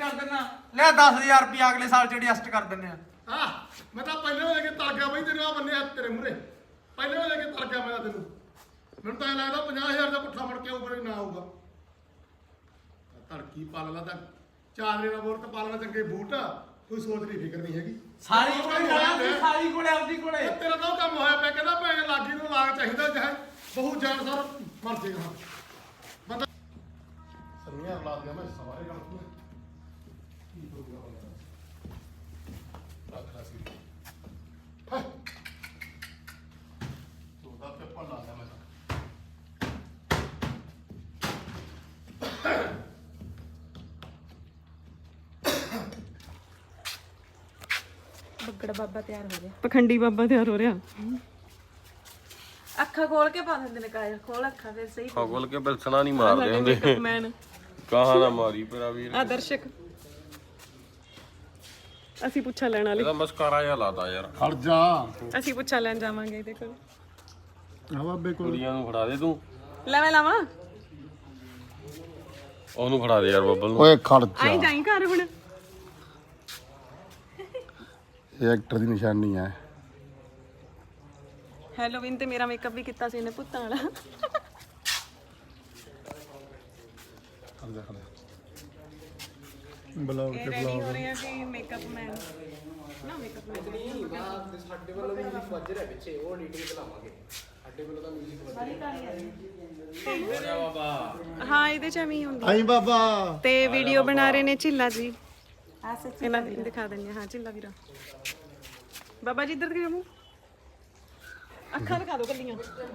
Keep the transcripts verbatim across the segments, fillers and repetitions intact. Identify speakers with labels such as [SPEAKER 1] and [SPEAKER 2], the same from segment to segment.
[SPEAKER 1] ਕਰ ਦਿੰਨਾ ਲੈ ਦਸ ਹਜ਼ਾਰ ਰੁਪਏ ਅਗਲੇ ਸਾਲ ਚ ਐਡਜਸਟ ਕਰ ਦਿੰਨੇ ਆ
[SPEAKER 2] ਹਾਂ ਮੈਂ ਤਾਂ ਪਹਿਲਾਂ ਲੈ ਕੇ ਤਰ ਗਿਆ ਬਈ ਤੇਰੇ ਆ ਬੰਨੇ ਹੱਥ ਤੇਰੇ ਮੂਹਰੇ ਪਹਿਲਾਂ ਲੈ ਕੇ ਤਰ ਗਿਆ ਮੈਂ ਤੈਨੂੰ ਮੈਨੂੰ ਤਾਂ ਲੱਗਦਾ ਪੰਜਾਹ ਹਜ਼ਾਰ ਦਾ ਪੁੱਠਾ ਫੜ ਕੇ ਉੱਪਰ ਨਾ ਆਊਗਾ ਧੜਕੀ ਪਾਲ ਲਾ ਤਾਂ ਚਾਰ ਦਿਨਾਂ ਬੋਰ ਤੇ ਪਾਲਣਾ ਚੰਗੇ ਬੂਟ ਕੋਈ ਸੋਚ ਨਹੀਂ ਫਿਕਰ ਨਹੀਂ ਹੈਗੀ
[SPEAKER 1] ਸਾਰੀ ਕੋਲੇ ਸਾਰੀ ਕੋਲੇ ਆਪਦੀ ਕੋਲੇ
[SPEAKER 2] ਤੇਰਾ ਤਾਂ ਉਹ ਕੰਮ ਹੋਇਆ ਪਿਆ ਕਹਿੰਦਾ ਭੈਣ ਲਾਗੀ ਨੂੰ ਲਾਗ ਚਾਹੀਦਾ ਚਾਹੇ ਬਹੁਤ ਜਾਨ ਸਰ ਮਰ ਜੇਗਾ ਬੰਦਾ ਸਰਮੀਆਂ ਲਾ ਦਿਆ ਮੈਂ ਸਵਾਰੇ ਗੱਲ ਤੂੰ ਕੀ ਹੋਊਗਾ ਬੰਦਾ ਰੱਖ ਸੀ ਹਾਂ ਤੂੰ ਦਾ ਪੇਪਰ ਲਾ ਦਿਆ ਮੈਂ
[SPEAKER 3] ਬੱਗੜ ਬਾਬਾ ਤਿਆਰ ਹੋ ਰਿਹਾ
[SPEAKER 4] ਪਖੰਡੀ ਬਾਬਾ ਤਿਆਰ ਹੋ ਰਿਹਾ
[SPEAKER 3] ਅੱਖਾਂ ਖੋਲ ਕੇ ਪਾ ਦਿੰਦੇ ਨੇ ਕਾਜਲ ਖੋਲ ਅੱਖਾਂ ਫਿਰ ਸਹੀ
[SPEAKER 5] ਖੋਲ ਕੇ ਬਿਲਸਣਾ ਨਹੀਂ ਮਾਰਦੇ ਹੁੰਦੇ
[SPEAKER 4] ਮੇਕਅਪਮੈਨ
[SPEAKER 5] ਕਹਾਂ ਨਾ ਮਾਰੀ ਪਰਾ ਵੀਰ
[SPEAKER 4] ਆ ਦਰਸ਼ਕ ਅਸੀਂ ਪੁੱਛਾ ਲੈਣ ਵਾਲੇ
[SPEAKER 5] ਇਹਦਾ ਮਸਕਾਰਾ ਜਿਹਾ ਲਾਤਾ ਯਾਰ
[SPEAKER 2] ਖੜ ਜਾ
[SPEAKER 4] ਅਸੀਂ ਪੁੱਛਾ ਲੈਣ ਜਾਵਾਂਗੇ ਇਹਦੇ ਕੋਲ
[SPEAKER 2] ਆ ਬਾਬੇ ਕੋਲ
[SPEAKER 5] ਕੁੜੀਆਂ ਨੂੰ ਫੜਾ ਦੇ ਤੂੰ
[SPEAKER 4] ਲੈ ਮੈਂ ਲਾਵਾਂ
[SPEAKER 5] ਉਹਨੂੰ ਫੜਾ ਦੇ ਯਾਰ ਬੱਬਲ ਨੂੰ
[SPEAKER 2] ਓਏ ਖੜ
[SPEAKER 4] ਆਈ ਜਾਈ ਘਰ ਹੁਣ
[SPEAKER 2] ਇਹ ਐਕਟਰ ਦੀ ਨਿਸ਼ਾਨੀ ਹੈ
[SPEAKER 4] ਹੈਲੋਵੀਨ ਤੇ ਮੇਰਾ ਮੇਕਅਪ ਵੀ ਕੀਤਾ ਸੀ ਇਹਨੇ ਪੁੱਤਾਂ ਵਾਲਾ
[SPEAKER 2] ਖੜ ਜਾ ਖੜ ਜਾ ਬਲੌਗ
[SPEAKER 4] ਇਹ ਰੈਡੀ ਹੋ ਰਹੇ ਆ ਕਿ ਮੇਕਅਪ ਮੈਨ ਨਾ ਮੇਕਅਪ ਮੈਨ
[SPEAKER 1] ਸਾਡੇ ਵੱਲੋਂ ਮਿਊਜ਼ਿਕ ਵੱਜ ਰਿਹਾ ਪਿੱਛੇ ਉਹ ਡੀਟੇਲ ਬੁਲਾਵਾਂਗੇ ਸਾਡੇ ਵੱਲੋਂ ਤਾਂ ਮਿਊਜ਼ਿਕ ਵੱਜ ਰਿਹਾ ਬਾਬਾ
[SPEAKER 4] ਹਾਂ ਇਹਦੇ ਚ ਐਵੇਂ ਹੀ ਹੁੰਦਾ
[SPEAKER 2] ਆਈ ਬਾਬਾ
[SPEAKER 4] ਤੇ ਵੀਡੀਓ ਬਣਾ ਰਹੇ ਨੇ ਝਿੱਲਾ ਜੀ ਇਹਨਾਂ ਨੂੰ ਦਿਖਾ ਦਿੰਦੇ ਹਾਂ ਝਿੱਲਾ ਵੀਰਾ ਬਾਬਾ ਜੀ ਇੱਧਰ ਦਿਖਾਓ ਮੂੰਹ ਅੱਖਾਂ ਦਿਖਾ ਦਿਓ ਕੱਲੀਆਂ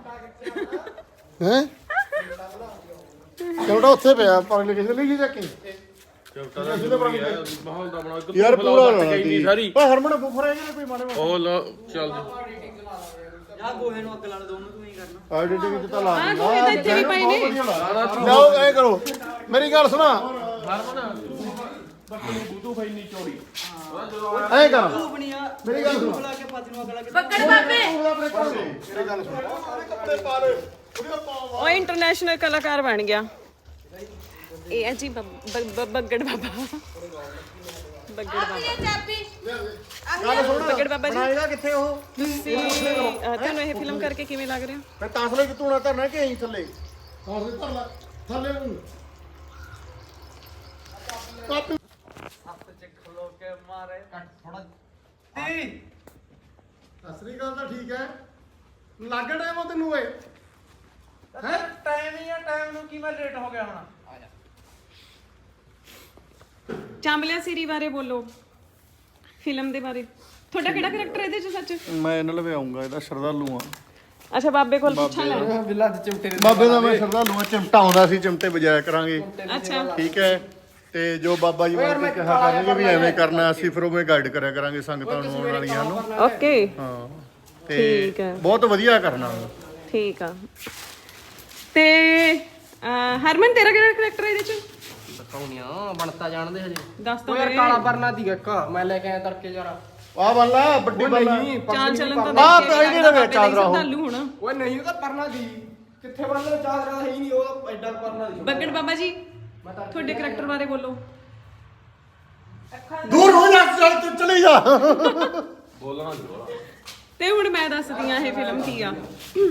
[SPEAKER 2] ਹੈ ਕਿਹੜਾ ਉੱਥੇ ਪਿਆ ਪਰਲੇ ਕਿਸੇ ਲਈ ਜਾ ਕੇ
[SPEAKER 5] ਚੌਟਾ ਦਾ ਜ਼ਰੂਰੀ ਹੈ ਮਾਹੌਲ ਦਾ ਬਣਾ ਇੱਕ
[SPEAKER 2] ਯਾਰ ਪੂਰਾ
[SPEAKER 5] ਇੰਨੀ ਸਾਰੀ
[SPEAKER 2] ਓਏ ਹਰਮਨ ਬੁਫਰ ਹੈ ਕੋਈ ਮਾਰੇ
[SPEAKER 5] ਉਹ ਲਾ ਚੱਲ
[SPEAKER 1] ਜਾ ਗੋਹੇ ਨੂੰ ਅੱਗ ਲਾਣ ਦੋਨੋਂ ਤੂੰ ਹੀ ਕਰਨਾ
[SPEAKER 2] ਐਡੀਟਿੰਗ ਚ ਤਾਂ ਲਾ
[SPEAKER 4] ਆਹ ਗੋਹੇ ਤਾਂ ਇੱਥੇ ਵੀ ਪਏ ਨੇ
[SPEAKER 2] ਲਓ ਐ ਕਰੋ ਮੇਰੀ ਗੱਲ ਸੁਣਾ
[SPEAKER 5] ਬੱਕਰੀ ਬੂਦੂ ਫਾਈ ਨਹੀਂ ਚੋੜੀ
[SPEAKER 2] ਐ ਕਰ
[SPEAKER 1] ਤੂੰ ਬਣੀਆ
[SPEAKER 2] ਮੇਰੀ ਗੱਲ ਸੁਣ
[SPEAKER 1] ਬੁਲਾ ਕੇ ਪੱਜ ਨੂੰ ਅੱਗ ਲਾ ਕੇ
[SPEAKER 3] ਬੱਗੜ ਬਾਬੇ
[SPEAKER 2] ਮੇਰੀ ਗੱਲ ਸੁਣ ਕੱਪੜੇ ਪਾ ਲੈ ਉਹਦੇ ਪਾ
[SPEAKER 4] ਉਹ ਇੰਟਰਨੈਸ਼ਨਲ ਕਲਾਕਾਰ ਬਣ ਗਿਆ ਇਹ ਹੈ ਜੀ ਬੱਬ- ਬੱਬ- ਬੱਗੜ ਬਾਬਾ ਬੱਗੜ ਬਾਬਾ
[SPEAKER 3] ਇਹ ਚਾਬੀ
[SPEAKER 2] ਗੱਲ ਸੁਣ
[SPEAKER 4] ਬੱਗੜ ਬਾਬਾ ਜੀ
[SPEAKER 2] ਬਣਾਏਗਾ ਕਿੱਥੇ ਉਹ
[SPEAKER 4] ਤੁਸੀਂ ਅਹ, ਤੁਹਾਨੂੰ ਇਹ ਫਿਲਮ ਕਰਕੇ ਕਿਵੇਂ ਲੱਗ ਰਿਹਾ
[SPEAKER 2] ਮੈਂ ਤਾਸਲੇ ਕਿ ਤੂੰ ਧਰਨਾ ਕਿ ਐਂ ਥੱਲੇ ਤਾਸਲੇ ਧਰ ਲੈ ਥੱਲੇ ਨੂੰ ਕਾਪੀ
[SPEAKER 1] ਹੱਥ ਚ ਖਲੋ ਕੇ ਮਾਰੇ ਕੱਟ ਥੋੜਾ ਤੀ
[SPEAKER 2] ਅਸਲੀ ਗੱਲ ਤਾਂ ਠੀਕ ਹੈ ਲੱਗ ਟਾਈਮ ਉਹ ਤੈਨੂੰ ਓਏ
[SPEAKER 1] ਹੈ ਟਾਈਮ ਹੀ ਆ ਟਾਈਮ ਨੂੰ ਕੀ ਮੈਂ ਲੇਟ ਹੋ ਗਿਆ ਹੁਣ ਆ ਜਾ
[SPEAKER 4] ਚਾਂਬਲਿਆ ਸੀਰੀ ਬਾਰੇ ਬੋਲੋ ਫਿਲਮ ਦੇ ਬਾਰੇ ਤੁਹਾਡਾ ਕਿਹੜਾ ਕਰੈਕਟਰ ਇਹਦੇ ਚ ਸੱਚ
[SPEAKER 2] ਮੈਂ ਇਹਨਾਂ ਲਵੇ ਆਉਂਗਾ ਇਹਦਾ ਸ਼ਰਧਾਲੂ ਆ
[SPEAKER 4] ਅੱਛਾ ਬਾਬੇ ਕੋਲ ਪੁੱਛਾਂ ਲੈ
[SPEAKER 1] ਬਿੱਲਾ ਦੇ ਚਿਮਟੇ ਦੇ
[SPEAKER 2] ਬਾਬੇ ਦਾ ਮੈਂ ਸ਼ਰਧਾਲੂ ਆ ਚਿਮਟਾ ਆਉਂਦਾ ਸੀ ਚਿਮਟੇ ਵਜਾਇਆ ਕਰਾਂਗੇ
[SPEAKER 4] ਅੱਛਾ
[SPEAKER 2] ਠੀਕ ਹੈ ਤੇ ਜੋ ਬਾਬਾ ਜੀ ਮੈਨੂੰ ਕਿਹਾ ਕਰਨਗੇ ਵੀ ਐਵੇਂ ਕਰਨਾ ਅਸੀਂ ਫਿਰ ਉਵੇਂ ਗਾਈਡ ਕਰਿਆ ਕਰਾਂਗੇ ਸੰਗਤਾਂ ਨੂੰ ਆਉਣ ਵਾਲੀਆਂ ਨੂੰ
[SPEAKER 4] ਓਕੇ
[SPEAKER 2] ਹਾਂ ਤੇ
[SPEAKER 4] ਠੀਕ ਹੈ
[SPEAKER 2] ਬਹੁਤ ਵਧੀਆ ਕਰਨਾ
[SPEAKER 4] ਠੀਕ ਆ ਤੇ ਅਹ, ਹਰਮਨ ਤੇਰਾ ਕਿਹੜਾ ਕਰੈਕਟਰ ਇਹਦੇ ਚ
[SPEAKER 1] ਦਿਖਾਉਣੀਆਂ ਬਣਤਾ ਜਾਣਦੇ ਹਜੇ
[SPEAKER 4] ਦੱਸ
[SPEAKER 1] ਉਹ
[SPEAKER 4] ਤਾਂ
[SPEAKER 1] ਯਾਰ
[SPEAKER 4] ਦੇ।
[SPEAKER 1] ਕਾਲਾ ਪਰਨਾ ਦੀ ਇੱਕ ਮੈਂ ਲੈ ਕੇ ਆਇਆ ਤੜਕੇ ਯਾਰ
[SPEAKER 2] ਆ ਬੱਲਾ ਵੱਡੀ ਬੱਲਾ
[SPEAKER 4] ਚਾਲ ਚੱਲਣ ਤਾਂ
[SPEAKER 2] ਆਹ
[SPEAKER 4] ਦੇਖ
[SPEAKER 2] ਤਾਂ
[SPEAKER 4] ਕੇ
[SPEAKER 2] ਇਹਦੇ ਵਿੱਚ ਚਾਦਰਾ ਉਹ।
[SPEAKER 4] ਸ਼ਰਧਾਲੂ ਹੋਣਾ
[SPEAKER 1] ਓਏ ਨਹੀਂ ਉਹ ਤਾਂ ਪਰਨਾ ਦੀ ਕਿੱਥੇ ਬਣਦਾ ਚਾਦਰਾ ਹੈ ਹੀ ਨਹੀਂ ਉਹ ਐਡਾ ਪਰਨਾ ਦੀ
[SPEAKER 4] ਬੱਗੜ ਬਾਬਾ ਜੀ ਤੁਹਾਡੇ ਕਰੈਕਟਰ ਬਾਰੇ ਬੋਲੋ
[SPEAKER 2] ਦੂਰ ਹੋ ਜਾ ਚੱਲ ਤੂੰ ਚਲੀ ਜਾ
[SPEAKER 5] ਬੋਲਣਾ ਜ਼ਰੂਰ
[SPEAKER 4] ਤੇ ਹੁਣ ਮੈਂ ਦੱਸਦੀ ਆ ਇਹ ਫਿਲਮ ਕੀ ਆ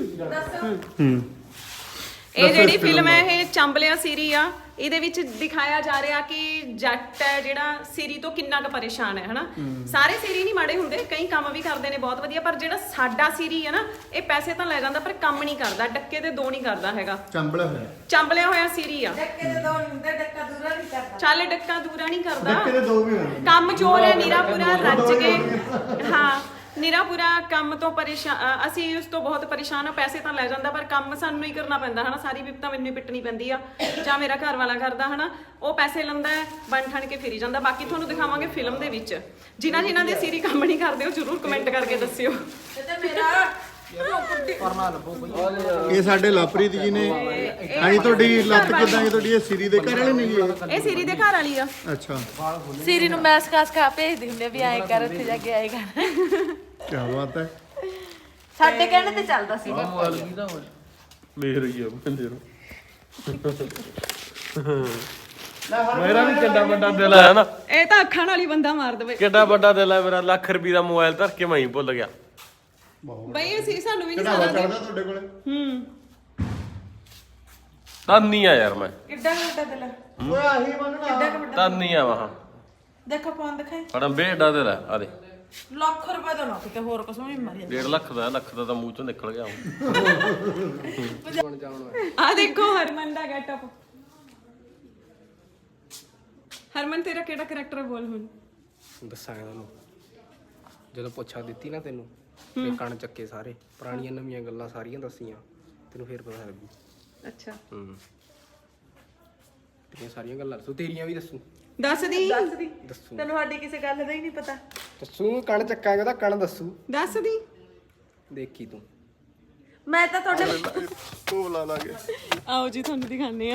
[SPEAKER 4] ਇਹ ਜਿਹੜੀ ਫਿਲਮ ਹੈ ਇਹ ਚੰਬਲਿਆ ਸੀਰੀ ਆ ਇਹਦੇ ਵਿੱਚ ਦਿਖਾਇਆ ਜਾ ਰਿਹਾ ਕਿ ਜੱਟ ਹੈ ਜਿਹੜਾ ਸੀਰੀ ਤੋਂ ਕਿੰਨਾ ਕੁ ਪਰੇਸ਼ਾਨ ਹੈ ਹਨਾ ਸਾਰੇ ਸੀਰੀ ਨਹੀਂ ਮਾੜੇ ਹੁੰਦੇ ਕਈ ਕੰਮ ਵੀ ਕਰਦੇ ਨੇ ਬਹੁਤ ਵਧੀਆ ਪਰ ਜਿਹੜਾ ਸਾਡਾ ਸੀਰੀ ਹੈ ਨਾ ਇਹ ਪੈਸੇ ਤਾਂ ਲੈ ਜਾਂਦਾ ਪਰ ਕੰਮ ਨਹੀਂ ਕਰਦਾ ਡੱਕੇ ਦੇ ਦੋ ਨਹੀਂ ਕਰਦਾ ਹੈਗਾ
[SPEAKER 2] ਚੰਬਲ ਹੋਇਆ
[SPEAKER 4] ਚੰਬਲਿਆ ਹੋਇਆ ਸੀਰੀ ਆ
[SPEAKER 3] ਡੱਕੇ ਦੇ ਦੋ ਹੁੰਦੇ ਡੱਕਾ ਦੂਰਾ ਨਹੀਂ ਕਰਦਾ
[SPEAKER 4] ਚੱਲ ਡੱਕਾ ਦੂਰਾ ਨਹੀਂ ਕਰਦਾ
[SPEAKER 2] ਕਿਤੇ ਦੋ ਵੀ ਹੋਣੇ
[SPEAKER 4] ਕੰਮ ਚੋਰ ਹੈ ਨੀਰਾ ਪੂਰਾ ਰੱਜ ਕੇ ਹਾਂ ਨੀਰਾ ਪੂਰਾ ਕੰਮ ਤੋਂ ਪਰੇਸ਼ਾਨ ਅ, ਅਸੀਂ ਉਸ ਤੋਂ ਬਹੁਤ ਪਰੇਸ਼ਾਨ ਆ ਪੈਸੇ ਤਾਂ ਲੈ ਜਾਂਦਾ ਪਰ ਕੰਮ ਸਾਨੂੰ ਹੀ ਕਰਨਾ ਪੈਂਦਾ ਹਨਾ ਸਾਰੀ ਵਿਪਤਾ ਮੈਨੂੰ ਹੀ ਪਿੱਟਣੀ ਪੈਂਦੀ ਆ ਜਾਂ ਮੇਰਾ ਘਰ ਵਾਲਾ ਕਰਦਾ ਹਨਾ ਉਹ ਪੈਸੇ ਲੈਂਦਾ ਬਣ ਠਣ ਕੇ ਫਿਰੀ ਜਾਂਦਾ ਬਾਕੀ ਤੁਹਾਨੂੰ ਦਿਖਾਵਾਂਗੇ ਫਿਲਮ ਦੇ ਵਿੱਚ ਜਿਨ੍ਹਾਂ ਜਿਨ੍ਹਾਂ ਦੇ ਸੀਰੀ ਕੰਮ ਨਹੀਂ ਕਰਦੇ ਉਹ ਜ਼ਰੂਰ ਕਮੈਂਟ ਕਰਕੇ ਦੱਸਿਓ
[SPEAKER 3] ਤੇ ਮੇਰਾ
[SPEAKER 1] ਪਰਨਾ ਲੱਭੋ ਬਈ
[SPEAKER 2] ਇਹ ਸਾਡੇ ਲਾਪਰੀਤ ਜੀ ਨੇ ਹਾਂਜੀ ਤੁਹਾਡੀ ਲੱਤ ਕਿਦਾਂ ਹੈ ਤੁਹਾਡੀ ਇਹ ਸਿਰੀ ਦੇ ਘਰ ਵਾਲੇ ਨੇ ਜੀ ਇਹ?
[SPEAKER 4] ਇਹ ਸੀਰੀ ਦੇ ਘਰ ਵਾਲੀ ਆ
[SPEAKER 2] ਅੱਛਾ
[SPEAKER 3] ਸੀਰੀ ਨੂੰ ਮੈਸ ਕਾਸ ਕਾ ਭੇਜਦੇ ਹੁੰਦੇ ਵੀ ਆਏ ਕਰ ਉੱਥੇ ਜਾ ਕੇ ਆਏਗਾ
[SPEAKER 2] ਕੀ ਬਾਤ ਹੈ
[SPEAKER 3] ਸਾਡੇ ਕਹਿਣੇ ਤੇ ਚੱਲਦਾ ਸੀ
[SPEAKER 5] ਮੇਰ ਹੀ ਆ ਬੰਦੇ ਨੂੰ ਮੇਰਾ ਵੀ ਕਿੱਡਾ ਵੱਡਾ ਦਿਲ ਹੈ ਨਾ,
[SPEAKER 4] ਇਹ ਤਾਂ ਅੱਖਾਂ ਨਾਲ ਹੀ ਬੰਦਾ ਮਾਰ ਦੇਵੇ।
[SPEAKER 5] ਕਿੱਡਾ ਵੱਡਾ ਦਿਲ ਹੈ ਮੇਰਾ, ਲੱਖ ਰੁਪਏ ਦਾ ਮੋਬਾਈਲ ਧਰ ਕੇ ਮੈਂ ਹੀ ਭੁੱਲ ਗਿਆ।
[SPEAKER 4] ਬਈ ਅਸੀਂ ਸਾਨੂੰ ਵੀ ਨਹੀਂ
[SPEAKER 2] ਕਿਹੜਾ
[SPEAKER 4] ਸਾਰਾ
[SPEAKER 2] ਚੜਦਾ ਤੁਹਾਡੇ ਕੋਲੇ?
[SPEAKER 4] ਹੂੰ
[SPEAKER 5] ਤਾਨੀ ਆ ਯਾਰ ਮੈਂ,
[SPEAKER 3] ਕਿੱਡਾ ਕੁ ਵੱਡਾ ਦਿਲ ਹੈ?
[SPEAKER 2] ਓਏ ਆਹੀ ਮੰਗਣਾ
[SPEAKER 3] ਕਿੱਡਾ ਕੁ ਵੱਡਾ?
[SPEAKER 5] ਤਾਨੀ ਆ ਵਾਹ
[SPEAKER 3] ਦੇਖੋ ਫੋਨ ਦਿਖਾਈ।
[SPEAKER 5] ਬੜਾ ਬੇੜਾ ਦਿਲ ਹੈ। ਆ ਦੇ
[SPEAKER 3] ਲੱਖ ਰੁਪਏ ਦਾ ਨਾ ਕਿਤੇ ਹੋਰ ਕੁਛ ਵੀ ਮਰ
[SPEAKER 5] ਡੇਢ ਲੱਖ ਦਾ, ਲੱਖ ਦਾ ਤਾਂ ਮੂੰਹ ਚੋਂ ਨਿਕਲ ਗਿਆ ਹੁਣ।
[SPEAKER 1] ਬਣ ਜਾਣ
[SPEAKER 4] ਆ ਦੇਖੋ ਹਰਮਨ ਦਾ ਗੈਟਅਪ। ਹਰਮਨ ਤੇਰਾ ਕਿਹੜਾ ਕਰੈਕਟਰ ਬੋਲ ਹੁਣ?
[SPEAKER 1] ਦੱਸਾਂਗਾ ਤੁਹਾਨੂੰ ਜਦੋਂ ਪੁੱਛਾ ਦਿੱਤੀ ਨਾ ਤੈਨੂੰ ਤੇ ਕਣ ਚੱਕੇ ਸਾਰੇ ਪੁਰਾਣੀਆਂ ਨਵੀਆਂ ਗੱਲਾਂ ਸਾਰੀਆਂ ਦੱਸੀਆਂ ਤੈਨੂੰ ਫੇਰ ਪਤਾ ਲੱਗੂ।
[SPEAKER 4] ਅੱਛਾ
[SPEAKER 1] ਹੂੰ ਤੇਰੀਆਂ ਸਾਰੀਆਂ ਗੱਲਾਂ ਦੱਸੂ, ਤੇਰੀਆਂ ਵੀ ਦੱਸੂ
[SPEAKER 4] ਦੱਸ ਦੀ
[SPEAKER 1] ਦੱਸੂ
[SPEAKER 3] ਤੈਨੂੰ ਸਾਡੀ ਕਿਸੇ ਗੱਲ ਦਾ ਹੀ ਨਹੀਂ ਪਤਾ।
[SPEAKER 1] ਦੱਸੂ ਕਣ ਚੱਕਾਂਗੇ ਤਾਂ ਕਣ ਦੱਸੂ,
[SPEAKER 4] ਦੱਸ ਦੀ।
[SPEAKER 1] ਦੇਖੀ ਤੂੰ।
[SPEAKER 3] ਮੈਂ ਤਾਂ ਤੁਹਾਡੇ
[SPEAKER 2] ਤੂੰ ਬੁਲਾ ਲਾਂਗੇ।
[SPEAKER 4] ਆਓ ਜੀ ਤੁਹਾਨੂੰ ਦਿਖਾਣੇ ਆ।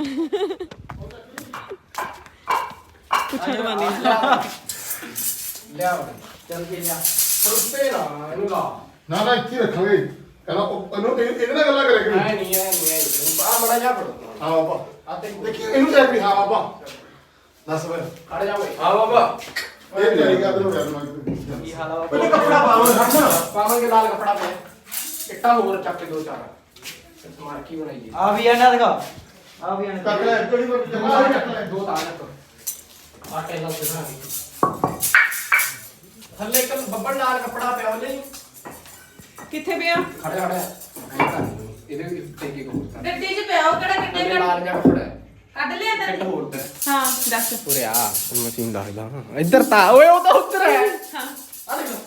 [SPEAKER 4] ਪੁੱਛਾ ਦਵਾਨੀ
[SPEAKER 1] ਲਿਆ ਚੱਲ ਕੇ ਲਿਆ ਰੁੱਪੇ ਨਾ ਇਹਨੂੰ ਲਾ।
[SPEAKER 2] ਨਾ ਨਾ ਇੱਥੇ ਹੀ ਰੱਖਾਂਗੇ। ਕਹਿੰਦਾ ਉਹ ਇਹਨੂੰ ਇਹ- ਇਹਦੇ ਨਾਲ ਗੱਲਾਂ ਕਰਿਆ ਕਰੀ।
[SPEAKER 1] ਐ ਨਹੀਂ ਐ ਨਹੀਂ ਐ ਆ ਮੜਾ ਜਾ ਫੜੋ।
[SPEAKER 2] ਹਾਂ ਬਾਬਾ
[SPEAKER 1] ਆ ਤੇ
[SPEAKER 2] ਦੇਖੀ ਇਹਨੂੰ ਲੈ ਕੇ ਹਾਂ ਬਾਬਾ ਦੱਸ ਫਿਰ
[SPEAKER 1] ਖੜ ਜਾ ਓਏ।
[SPEAKER 5] ਹਾਂ ਬਾਬਾ
[SPEAKER 2] ਇਹ ਤਿਆਰੀ ਕਰ ਲਓ ਯਾਰ ਮੈਂ
[SPEAKER 1] ਕੀ ਹਾਲ ਆ ਬਾਬਾ?
[SPEAKER 2] ਪਹਿਲੇ ਕੱਪੜਾ ਪਾਵਾਂ ਹਟਣਾ
[SPEAKER 1] ਪਾਵਾਂਗੇ ਲਾਲ ਕੱਪੜਾ ਪਿਆ ਇੱਟਾਂ ਹੋਰ ਚੱਕ ਕੇ ਦੋ ਚਾਰ ਮਾਰ ਕੀ ਬਣਾਈਏ
[SPEAKER 6] ਆ ਵੀ ਆਣਾ ਦਿਖਾ ਆ ਵੀ ਆਣਾ
[SPEAKER 2] ਚੱਕ ਲੈ ਕਿਹੜੀ ਵਾਰ ਜਮਾ ਚੱਕ ਲੈ
[SPEAKER 1] ਦੋ ਤਾਂ ਚੱਕ ਆਟੇ ਨਾਲ ਦਿਖਾਂਗੇ ਥੱਲੇ ਇੱਕ ਬੱਬਲ ਲਾਲ ਕੱਪੜਾ ਪਿਆ ਉਹਨੇ
[SPEAKER 4] ਕਿੱਥੇ ਪਿਆ?
[SPEAKER 1] ਖੜਿਆ ਖੜਿਆ ਐਂ ਕਰ ਇਹਦੇ ਵੀ ਟੇਕੇ ਕੋ ਹੋਰ ਕਰ
[SPEAKER 3] ਗੱਡੀ 'ਚ ਪਿਆ ਉਹ ਕਿਹੜਾ ਕਿੰਨੇ
[SPEAKER 1] ਥੱਲੇ ਲਾਲ ਜਿਹਾ ਕੱਪੜਾ ਹੈ
[SPEAKER 3] ਕੱਢ ਲਿਆ
[SPEAKER 1] ਇੱਟ
[SPEAKER 3] ਤੈਨੂੰ।
[SPEAKER 1] ਹੋਰ ਤੇ
[SPEAKER 4] ਹਾਂ ਦੱਸ।
[SPEAKER 1] ਉਰੇ ਆ ਮਸ਼ੀਨ ਦੱਸਦਾ ਇੱਧਰ ਤਾਂ ਓਏ ਉਹ ਤਾਂ ਉੱਧਰ ਹੈ
[SPEAKER 4] ਹਾਂ
[SPEAKER 1] ਆ ਦੇਖ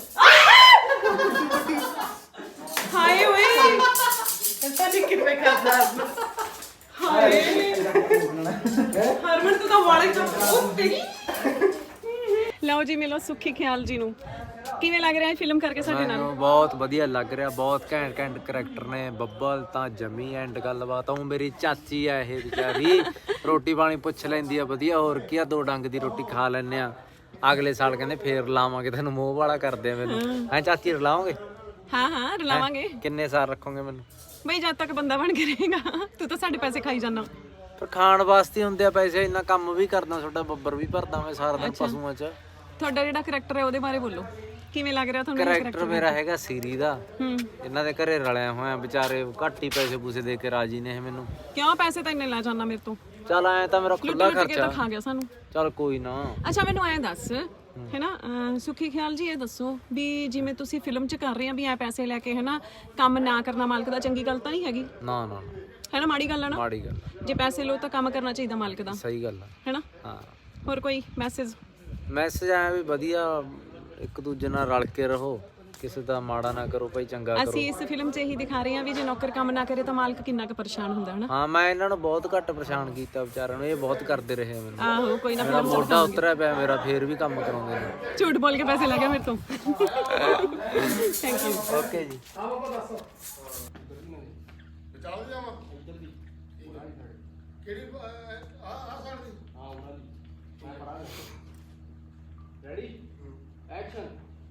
[SPEAKER 4] ਹਾਏ ਓਏ
[SPEAKER 3] ਪਤਾ ਨਹੀਂ ਕਿਵੇਂ ਕਰਦਾ।
[SPEAKER 4] ਹਾਏ ਹਰਮਨ ਤੂੰ ਤਾਂ ਵਾਲੇ ਚੁੱਪ ਉਹ ਤੇਰੀ। ਲਓ ਜੀ ਮਿਲੋ ਸੁੱਖੀ ਖਿਆਲ ਜੀ ਨੂੰ। ਕਿਵੇਂ ਲੱਗ ਰਿਹਾ ਹੈ ਫਿਲਮ ਕਰਕੇ ਸਾਡੇ ਨਾਲ?
[SPEAKER 6] ਮੈਨੂੰ ਬਹੁਤ ਵਧੀਆ ਲੱਗ ਰਿਹਾ, ਬਹੁਤ ਘੈਂਟ ਘੈਂਟ ਕਰੈਕਟਰ ਨੇ। ਬੱਬਲ ਤਾਂ ਜਮੀ ਐਂਡ ਗੱਲਬਾਤ। ਉਹ ਮੇਰੀ ਚਾਚੀ ਆ ਇਹ ਵਿਚਾਰੀ, ਰੋਟੀ ਪਾਣੀ ਪੁੱਛ ਲੈਂਦੀ ਆ ਵਧੀਆ, ਹੋਰ ਕੀ ਆ, ਦੋ ਡੰਗ ਦੀ ਰੋਟੀ ਖਾ ਲੈਨੇ ਆ। ਅਗਲੇ ਸਾਲ ਕਹਿੰਦੇ ਫੇਰ ਲਾਵਾਂਗੇ ਤੈਨੂੰ, ਮੋਹ ਵਾਲਾ ਕਰਦੇ ਆ ਮੈਨੂੰ। ਐ ਚਾਚੀ ਰਲਾਵਾਂਗੇ?
[SPEAKER 4] ਹਾਂ ਹਾਂ ਰਲਾਵਾਂਗੇ।
[SPEAKER 6] ਕਿੰਨੇ ਸਾਲ ਰੱਖੋਗੇ ਮੈਨੂੰ?
[SPEAKER 4] ਬਈ ਜਦ ਤੱਕ ਬੰਦਾ ਬਣ ਕੇ ਰਹੇਗਾ। ਤੂੰ ਤਾਂ ਸਾਡੇ ਪੈਸੇ ਖਾਈ ਜਾਂਦਾ।
[SPEAKER 6] ਪਰ ਖਾਣ ਵਾਸਤੇ ਹੁੰਦੇ ਆ ਪੈਸੇ, ਇੰਨਾ ਕੰਮ ਵੀ ਕਰਦਾ, ਤੁਹਾਡਾ ਬੱਬਰ ਵੀ ਭਰਦਾ ਮੈਂ ਸਾਰਾ ਦਿਨ ਪਸ਼ੂਆਂ 'ਚ।
[SPEAKER 4] ਤੁਹਾਡਾ ਜਿਹੜਾ ਕਰੈਕਟਰ ਹੈ ਉਹਦੇ ਬਾਰੇ ਬੋਲੋ, ਕਿਵੇਂ ਲੱਗ ਰਿਹਾ ਤੁਹਾਨੂੰ?
[SPEAKER 6] ਕਰੈਕਟਰ ਮੇਰਾ ਹੈਗਾ ਸੀਰੀ ਦਾ।
[SPEAKER 4] ਹੂੰ
[SPEAKER 6] ਇਹਨਾਂ ਦੇ ਘਰੇ ਰਲਿਆ ਹੋਇਆ, ਵਿਚਾਰੇ ਘੱਟ ਹੀ ਪੈਸੇ ਪੂਸੇ ਦੇ ਕੇ ਰਾਜੀ ਨੇ ਇਹ ਮੈਨੂੰ।
[SPEAKER 4] ਕਿਉਂ ਪੈਸੇ ਤਾਂ ਇੰਨੇ ਲੈ ਜਾਣਾ ਮੇਰੇ ਤੋਂ?
[SPEAKER 6] ਚੱਲ ਐ ਤਾਂ ਮੇਰਾ
[SPEAKER 4] ਲੁੱਟ
[SPEAKER 6] ਖੁੱਲਾ
[SPEAKER 4] ਲੁੱਟ ਕੇ ਤਾਂ
[SPEAKER 6] ਖਰਚਾ।
[SPEAKER 4] ਖਾ ਗਿਆ ਸਾਨੂੰ।
[SPEAKER 6] ਚੱਲ ਕੋਈ ਨਾ।
[SPEAKER 4] ਅੱਛਾ ਮੈਨੂੰ ਐਂ ਦੱਸ ਹੈਨਾ ਅਹ ਸੁੱਖੀ ਖਿਆਲ ਜੀ ਇਹ ਦੱਸੋ ਵੀ ਜਿਵੇਂ ਤੁਸੀਂ ਫਿਲਮ 'ਚ ਕਰ ਰਹੇ ਆ ਵੀ ਐ ਪੈਸੇ ਲੈ ਕੇ ਹੈਨਾ ਕੰਮ ਨਾ ਕਰਨਾ ਮਾਲਕ ਦਾ ਚੰਗੀ ਗੱਲ ਤਾਂ ਨਹੀਂ ਹੈਗੀ?
[SPEAKER 6] ਨਾ ਨਾ ਨਾ,
[SPEAKER 4] ਹੈਨਾ ਮਾੜੀ ਗੱਲ ਹੈ ਨਾ?
[SPEAKER 6] ਮਾੜੀ ਗੱਲ।
[SPEAKER 4] ਜੇ ਪੈਸੇ ਲੋ ਤਾਂ ਕੰਮ ਕਰਨਾ ਚਾਹੀਦਾ ਮਾਲਕ ਦਾ,
[SPEAKER 6] ਸਹੀ ਗੱਲ ਆ।
[SPEAKER 4] ਹੈਨਾ?
[SPEAKER 6] ਹਾਂ
[SPEAKER 4] ਹੋਰ ਕੋਈ ਮੈਸੇਜ?
[SPEAKER 6] ਮੈਸੇਜ ਆਇਆ ਵੀ ਵਧੀਆ ਇੱਕ ਦੂਜੇ ਨਾਲ ਰਲ ਕੇ ਰਹੋ, ਕਿਸੇ ਦਾ ਮਾੜਾ ਨਾ ਕਰੋ ਭਾਈ, ਚੰਗਾ ਕਰੋ।
[SPEAKER 4] ਅਸੀਂ ਇਸ ਫਿਲਮ 'ਚ ਇਹੀ ਦਿਖਾ ਰਹੇ ਹਾਂ ਵੀ ਜੇ ਨੌਕਰ ਕੰਮ ਨਾ ਕਰੇ ਤਾਂ ਮਾਲਕ ਕਿੰਨਾ ਕੁ ਪਰੇਸ਼ਾਨ ਹੁੰਦਾ ਹੈ ਨਾ।
[SPEAKER 6] ਹਾਂ ਮੈਂ ਇਹਨਾਂ ਨੂੰ ਬਹੁਤ ਘੱਟ ਪਰੇਸ਼ਾਨ ਕੀਤਾ ਵਿਚਾਰਿਆਂ ਨੂੰ, ਇਹ ਬਹੁਤ ਕਰਦੇ ਰਹੇ ਆ ਮੈਨੂੰ।
[SPEAKER 4] ਆਹੋ ਕੋਈ ਨਾ
[SPEAKER 6] ਮੇਰਾ
[SPEAKER 4] ਫਿਲਮ 'ਚ
[SPEAKER 6] ਮੋਢਾ ਉਤਰਿਆ ਪਿਆ ਮੇਰਾ, ਫੇਰ ਵੀ ਕੰਮ ਕਰਾਉਂਦੇ ਨੇ।
[SPEAKER 4] ਝੂਠ ਬੋਲ ਕੇ ਪੈਸੇ ਲੈ ਗਿਆ ਮੇਰੇ ਤੋਂ। Thank you.
[SPEAKER 6] ਓਕੇ ਜੀ।
[SPEAKER 2] ਚੱਲ ਜਾਵਾਂ ਕਿਹੜੀ ਆ ਆ ਸਾਈਡ ਦੀ
[SPEAKER 1] ਹਾਂ ਉਹਨਾਂ ਦੀ ਮੈਂ ਫੜਾ ਰੈਡੀ ਐਕਸ਼ਨ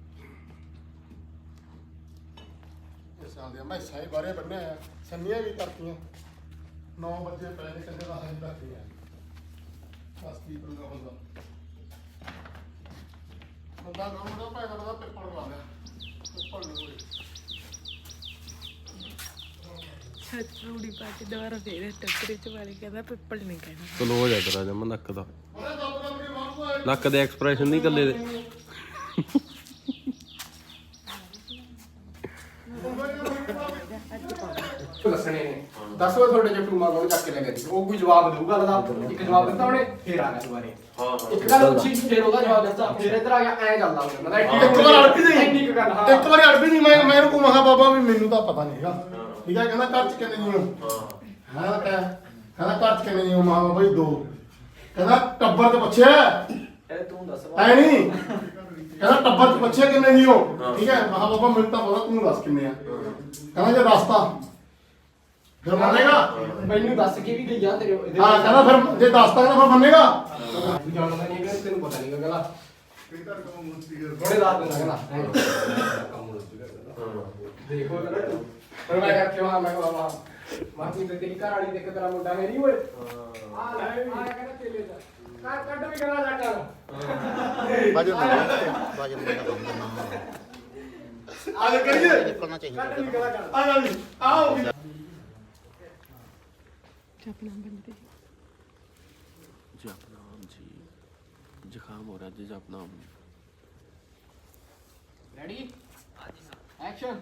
[SPEAKER 2] ਇਸ ਸਾਲ ਦੇ ਮੈਂ ਸਾਈ ਬਾਰੇ ਬੰਨਿਆ ਆ, ਸੰਨੀਆਂ ਵੀ ਕਰਤੀਆਂ। ਨੌ ਵਜੇ ਪੈ ਨੇ ਕੰਦੇ ਦਾ ਹਾਈ ਰੱਖੀ ਆ। ਬਸ ਕੀ ਕਰੂਗਾ ਬੰਦਾ ਬੰਦਾ ਕੰਮ ਦਾ ਭਾਈ ਦਾ ਪੇਪਰ ਲਾ ਲਿਆ, ਪੇਪਰ ਨਹੀਂ ਹੋਏ।
[SPEAKER 3] ਰੂੜੀ ਪਾ ਕੇ ਦੁਬਾਰਾ ਫੇਰ ਟੱਕਰੇ 'ਚ ਵਾਲੇ ਕਹਿੰਦਾ ਪਿੱਪਲ ਨਹੀਂ ਕਹਿਣਾ।
[SPEAKER 5] ਚਲੋ ਹੋ ਜਾ ਤੇਰਾ ਜਮ ਨੱਕ ਦਾ,
[SPEAKER 2] ਉਹਨੇ ਦੱਬ ਦੱਬ ਕੇ ਮਾਰੂਗਾ ਇਹ।
[SPEAKER 5] ਨੱਕ ਦੇ ਐਕਸਪ੍ਰੈਸ਼ਨ ਨਹੀਂ ਕੱਲੇ ਦੇ।
[SPEAKER 1] ਦੱਸਣੇ ਨੇ ਦੱਸ ਵੇ ਤੁਹਾਡੇ ਜੇ ਟੂਮਾ ਕੋਲ ਚੱਕ ਕੇ ਲੈ ਗਏ ਸੀ, ਉਹ ਕੋਈ ਜਵਾਬ ਦੇਊਗਾ ਲਦਾ ਇੱਕ ਜਵਾਬ ਦਿੱਤਾ ਉਹਨੇ ਫੇਰ ਆ ਗਿਆ ਦੁਬਾਰੇ।
[SPEAKER 5] ਹਾਂ
[SPEAKER 1] ਇੱਕ ਗੱਲ ਪੁੱਛੀ ਫੇਰ ਉਹਦਾ ਜਵਾਬ ਦਿੱਤਾ ਫੇਰ ਇੱਧਰ ਆ ਗਿਆ ਐ ਚੱਲਦਾ ਹੁੰਦਾ ਮਤਲਬ
[SPEAKER 2] ਇੱਕ ਵਾਰ ਅੜ ਵੀ ਨਹੀਂ
[SPEAKER 1] ਇੰਨੀ ਕੁ ਗੱਲ ਹਾਂ
[SPEAKER 2] ਇੱਕ ਵਾਰੀ ਅੜ ਵੀ ਨਹੀਂ ਮੈਂ ਮੈਂ ਇਹਨੂੰ ਕਹਾਂ ਬਾਬਾ ਵੀ ਮੈਨੂੰ ਤਾਂ ਪਤਾ ਨਹੀਂ ਹੈਗਾ। ਠੀਕ ਹੈ ਕਹਿੰਦਾ ਘਰ ਚ ਕਿੰਨੇ ਜੀ ਹੋ? ਹਾਂ ਕਹਿ ਕਹਿੰਦਾ ਘਰ ਚ ਕਿੰਨੇ ਜੀ ਹੋ? ਮਾਂ ਬਾਈ ਦੋ। ਕਹਿੰਦਾ ਟੱਬਰ ਤੇ ਪੁੱਛਿਆ
[SPEAKER 6] ਇਹ ਤੂੰ ਦੱਸ।
[SPEAKER 2] ਐ ਨਹੀਂ ਕਹਿੰਦਾ ਟੱਬਰ ਚ ਪੁੱਛਿਆ ਕਿੰਨੇ ਜੀ ਹੋ? ਠੀਕ ਹੈ ਮਹਾ ਬਾਬਾ ਮੈਨੂੰ ਤਾਂ ਪਤਾ, ਤੂੰ ਦੱਸ ਕਿੰਨੇ ਆ। ਕਹਿੰਦਾ ਜੇ ਦੱਸਤਾ ਫਿਰ ਮੰਨੇਗਾ?
[SPEAKER 1] ਮੈਨੂੰ ਦੱਸ ਕੇ ਵੀ ਗਈਆਂ ਤੇਰੇ ਇਹਦੇ
[SPEAKER 2] ਹਾਂ ਕਹਿੰਦਾ ਫਿਰ ਜੇ ਦੱਸਤਾ ਕਹਿੰਦਾ ਫਿਰ ਮੰਨੇਗਾ?
[SPEAKER 1] ਤੂੰ ਜਾਣਦਾ ਨਹੀਂ ਕਿ ਤੈਨੂੰ ਪਤਾ ਨਹੀਂ ਕਹਿੰਦਾ ਬੜੇ ਰਾਤ ਨੂੰ ਕਹਿੰਦਾ ਦੇਖੋ ਕਹਿੰਦਾ ਤੂੰ ਪਰ ਮੈਂ ਕਿਹਾ ਕਿਉਂ ਆ ਮੈਂ ਕਿਹਾ ਬਾਬਾ ਮਾਤੀ ਤੇ ਤੇਰੀ ਘਰ ਵਾਲੀ ਦੇਖ ਤੇਰਾ ਮੁੰਡਾ ਮੇਰੀ ਓਏ ਆ ਲੈ ਆ ਕਹਿੰਦਾ ਤੇਲੇ ਦਾ ਕੱਢ ਵੀ ਕਰਾ ਜਾ ਕਰ
[SPEAKER 7] ਵਜਨ ਨਹੀਂ ਵਜਨ ਨਹੀਂ ਕਰਨਾ
[SPEAKER 2] ਆ ਜਾ ਕਰੀਏ
[SPEAKER 7] ਨਿਕਲਣਾ ਚਾਹੀਦਾ
[SPEAKER 2] ਕੱਢ ਵੀ ਕਰਾ ਕਰ ਆ ਜਾ ਵੀ ਆਓ ਵੀ
[SPEAKER 3] ਜਪਨਾਮ ਬੰਦੇ
[SPEAKER 5] ਜਪਨਾਮ ਜੀ ਜ਼ੁਕਾਮ ਹੋ ਰਿਹਾ ਜੀ ਜਪਨਾਮ
[SPEAKER 1] ਰੈਡੀ ਐਕਸ਼ਨ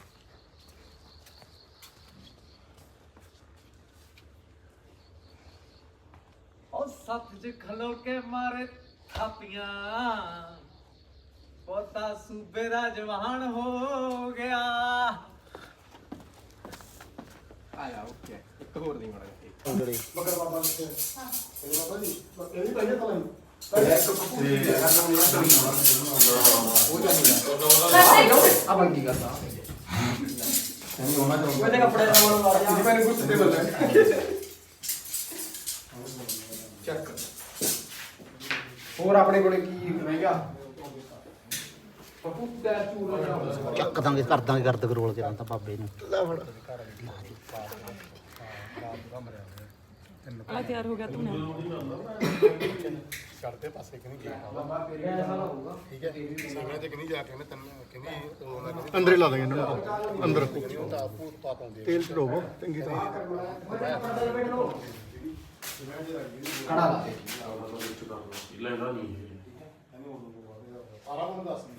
[SPEAKER 6] ਉਹ ਸੱਤ ਚ ਖਲੋ ਕੇ ਮਾਰੇ ਥਾਪੀਆਂ ਪੋਤਾ ਸੂਬੇ ਦਾ ਜਵਾਨ ਹੋ ਗਿਆ।
[SPEAKER 1] ਆਇਆ ਓਕੇ ਇੱਕ ਹੋਰ ਨਹੀਂ ਮੜਾ
[SPEAKER 2] ਮਗਰ ਬਾਬਾ ਨੇ ਇਹ ਬਾਬਾ ਜੀ ਇਹ ਵੀ ਪਹਿਲੇ ਤਾਂ ਨਹੀਂ
[SPEAKER 1] ਆ ਬੰਦ ਕੀ ਕਰਦਾ
[SPEAKER 2] ਉਹਦੇ ਕੱਪੜੇ ਦਾ ਮਨ ਮਾਰਿਆ ਇਹਦੇ ਪਹਿਲੇ ਕੁਝ ਤੇ ਬੋਲਦਾ
[SPEAKER 1] ਚੱਕ ਹੋਰ ਆਪਣੇ ਕੋਲੇ ਕੀ ਰਹੇਗਾ ਪਪੂ ਦਾ ਚੂਰਾ ਜਾ
[SPEAKER 7] ਚੱਕ ਦਾਂਗੇ ਕਰ ਦਾਂਗੇ ਗਰਦ ਕਰੋਲ ਕੇ ਤਾਂ ਬਾਬੇ ਨੂੰ
[SPEAKER 3] ਆ ਤਿਆਰ ਹੋ ਗਿਆ ਤੂੰ
[SPEAKER 2] ਕਰਦੇ ਪਾਸੇ ਕਿ ਨਹੀਂ ਗਿਆ
[SPEAKER 1] ਬਾਬਾ ਤੇਰੇ ਐਸਾ ਨਾ ਹੋਊਗਾ
[SPEAKER 2] ਠੀਕ ਹੈ ਸਮੇਂ ਤੇ ਕਿ ਨਹੀਂ ਜਾ ਕੇ ਨੇ ਤੈਨੂੰ ਕਹਿੰਦੀ ਅੰਦਰ ਹੀ ਲਾ ਦਾਂਗੇ ਇਹਨਾਂ ਨੂੰ ਅੰਦਰ ਤੇਲ ਚੜਾਵੋ ਚੰਗੀ ਤਰ੍ਹਾਂ
[SPEAKER 1] ਕੜਾ ਲਾ ਦੇ
[SPEAKER 5] ਲੈਣਾ ਨਹੀਂ
[SPEAKER 2] ਸਾਰਾ ਮੈਨੂੰ ਦੱਸ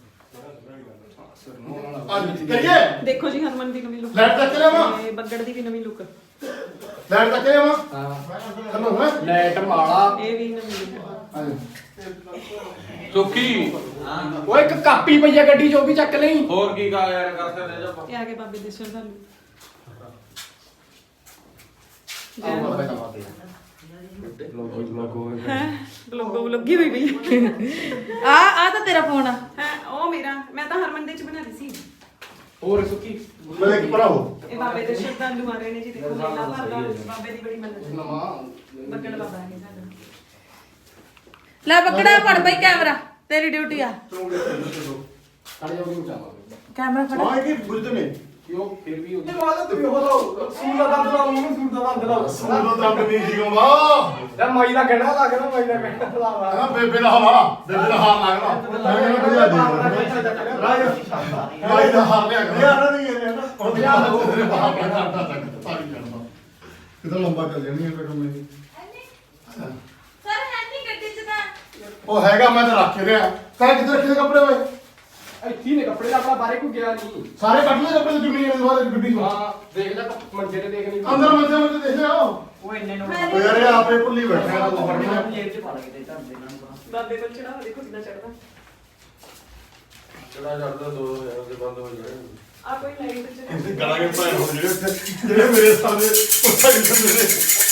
[SPEAKER 2] ਅੱਜ ਕਰੀਏ
[SPEAKER 4] ਦੇਖੋ ਜੀ ਹਰਮਨ ਦੀ ਨਵੀਂ ਲੁੱਕ
[SPEAKER 2] ਲੈਟ ਤੱਕ ਲਿਆਵਾਂ
[SPEAKER 4] ਤੇ ਬੱਗੜ ਦੀ ਵੀ ਨਵੀਂ ਲੁੱਕ
[SPEAKER 2] ਲੈਟ ਤੱਕ ਲਿਆਵਾਂ
[SPEAKER 1] ਹਾਂ
[SPEAKER 2] ਚਲੋ ਹੈ
[SPEAKER 1] ਲੈਟ ਮਾਲਾ
[SPEAKER 4] ਇਹ ਵੀ ਨਵੀਂ ਲੁੱਕ
[SPEAKER 5] ਸੁੱਕੀ
[SPEAKER 1] ਓਏ ਇੱਕ ਕਾਪੀ ਪਈ ਆ ਗੱਡੀ 'ਚ ਉਹ ਵੀ ਚੱਕ ਲਈ
[SPEAKER 5] ਹੋਰ ਕੀ ਕਾ ਯਾਰ ਕਰ ਸਕਦੇ ਜਾ
[SPEAKER 4] ਇਹ ਆ ਕੇ ਬਾਬੇ ਦੇ ਸ਼ਰਧਾਲੂ ਹੈ ਬਲੌਗ ਬਲੌਗੀ ਹੋਈ ਵੀ
[SPEAKER 3] ਆ ਆ ਤਾਂ ਤੇਰਾ ਫੋਨ ਆ
[SPEAKER 4] ਹੈ ਉਹ ਮੇਰਾ ਮੈਂ ਤਾਂ ਹਰਮਨ ਦੇ ਚ ਬਣਾ ਲਈ ਸੀ
[SPEAKER 1] ਹੋਰ ਸੁੱਕੀ
[SPEAKER 2] ਮੇਰੇ ਕੀ ਭਰਾਓ
[SPEAKER 4] ਇਹ ਬਾਬੇ ਦੇ ਸ਼ਰਧਾਲੂ ਆ ਰਹੇ ਨੇ ਜੀ ਦੇਖੋ ਮੇਲਾ ਭਰਦਾ ਬਾਬੇ ਦੀ ਬੜੀ ਮੰਨਤ ਹੈ
[SPEAKER 1] ਨਵਾਂ
[SPEAKER 4] ਬੱਗੜ ਬਾਬਾ ਹੈ ਸਾਡਾ
[SPEAKER 3] ਲੈ ਬੱਕੜਾ ਫੜ ਬਈ ਕੈਮਰਾ ਤੇਰੀ ਡਿਊਟੀ ਆ
[SPEAKER 1] ਕੜੇ ਜੋਗੀ ਨੂੰ ਚਾਹਾਂਗੇ
[SPEAKER 3] ਕੈਮਰਾ ਫੜ
[SPEAKER 2] ਹਾਂ ਕੀ ਬੁੱਝਦੇ ਨੇ
[SPEAKER 1] ਕਿਉਂ ਫਿਰ ਵੀ ਉਹਦੀ
[SPEAKER 2] ਮਾਦਾ ਤੂੰ ਹੋ ਲੋ ਸੂਰ ਦਾ ਦੰਦ ਲਾਓ ਉਹਨੂੰ ਸੂਰ ਦਾ ਦੰਦ ਲਾਓ ਸੂਰ ਦਾ ਦੰਦ ਨਹੀਂ ਜੀਓ ਵਾ
[SPEAKER 1] ਯਾਰ ਮਾਈ ਦਾ ਕਹਿਣਾ ਲੱਗਦਾ ਮਾਈ ਦਾ ਕਹਿਣਾ ਲਾਵਾ
[SPEAKER 2] ਹਾਂ ਬੇਬੇ ਦਾ ਹਵਾ ਬੇਬੇ ਦਾ ਹਾਰ ਲੱਗਣਾ ਮੈਂ ਕਹਿੰਦਾ ਬੁਝਾ ਦੇ ਰਾਜ ਮਾਈ ਦਾ ਹਾਰ ਲਿਆ ਕਰ ਯਾਰ ਨਹੀਂ ਇਹ ਨਾ ਉਹ ਲਿਆ ਦੋ ਤੇਰੇ ਬਾਹਰ ਕਰਦਾ ਤੱਕ ਸਾਰੀ ਕਰਦਾ ਕਿਦਾਂ ਲੰਬਾ ਚੱਲ ਜਾਣੀ ਹੈ ਬੇਟਾ ਮੇਰੀ
[SPEAKER 3] ਸਰ ਹੈਨੀ ਗੱਡੀ ਚ ਤਾਂ
[SPEAKER 2] ਉਹ ਹੈਗਾ ਮੈਂ ਤਾਂ ਰੱਖ ਰਿਹਾ ਤਾਂ ਕਿੱਥੇ ਰੱਖੇ ਨੇ ਕੱਪੜੇ ਓਏ
[SPEAKER 1] ਇੱਥੇ ਨੇ ਕੱਪੜੇ ਦਾ ਆਪਣਾ ਬਾਰੇ ਕੋਈ ਗਿਆ ਨਹੀਂ
[SPEAKER 2] ਸਾਰੇ ਕੱਢ ਲਏ ਕੱਪੜੇ ਜੁਗਨੀ ਦੇ ਬਾਅਦ ਗੱਡੀ ਨੂੰ
[SPEAKER 1] ਹਾਂ ਦੇਖ ਲੈ ਮੰਜੇ ਤੇ ਦੇਖ ਨਹੀਂ
[SPEAKER 2] ਅੰਦਰ ਮੰਜੇ ਮੰਜੇ ਦੇਖ ਲਿਆ
[SPEAKER 3] ਮੈਂ
[SPEAKER 2] ਉਹ ਯਾਰ ਇਹ ਆਪੇ ਭੁੱਲੀ ਬੈਠਾ ਹੈ ਉਹ ਫੜਨਾ
[SPEAKER 4] ਬਾਬੇ ਕੋਲ ਚੜਾ ਦੇਖੋ ਕਿੰਨਾ ਚੜਦਾ
[SPEAKER 5] ਚੜਾ ਚੜਦਾ ਦੋ ਦੇ ਬੰਦ ਹੋ ਜਾਏ
[SPEAKER 4] ਆ ਕੋਈ ਲਾਈਟ ਚ
[SPEAKER 2] ਇਹਦੇ ਗਲਾ ਕੇ ਪਾਏ ਹੋ ਜਿਹੜੇ ਉੱਥੇ ਜਿਹੜੇ ਮੇਰੇ ਸਾਹਮਣੇ ਉੱਥੇ ਹੀ ਜਾਂਦੇ ਨੇ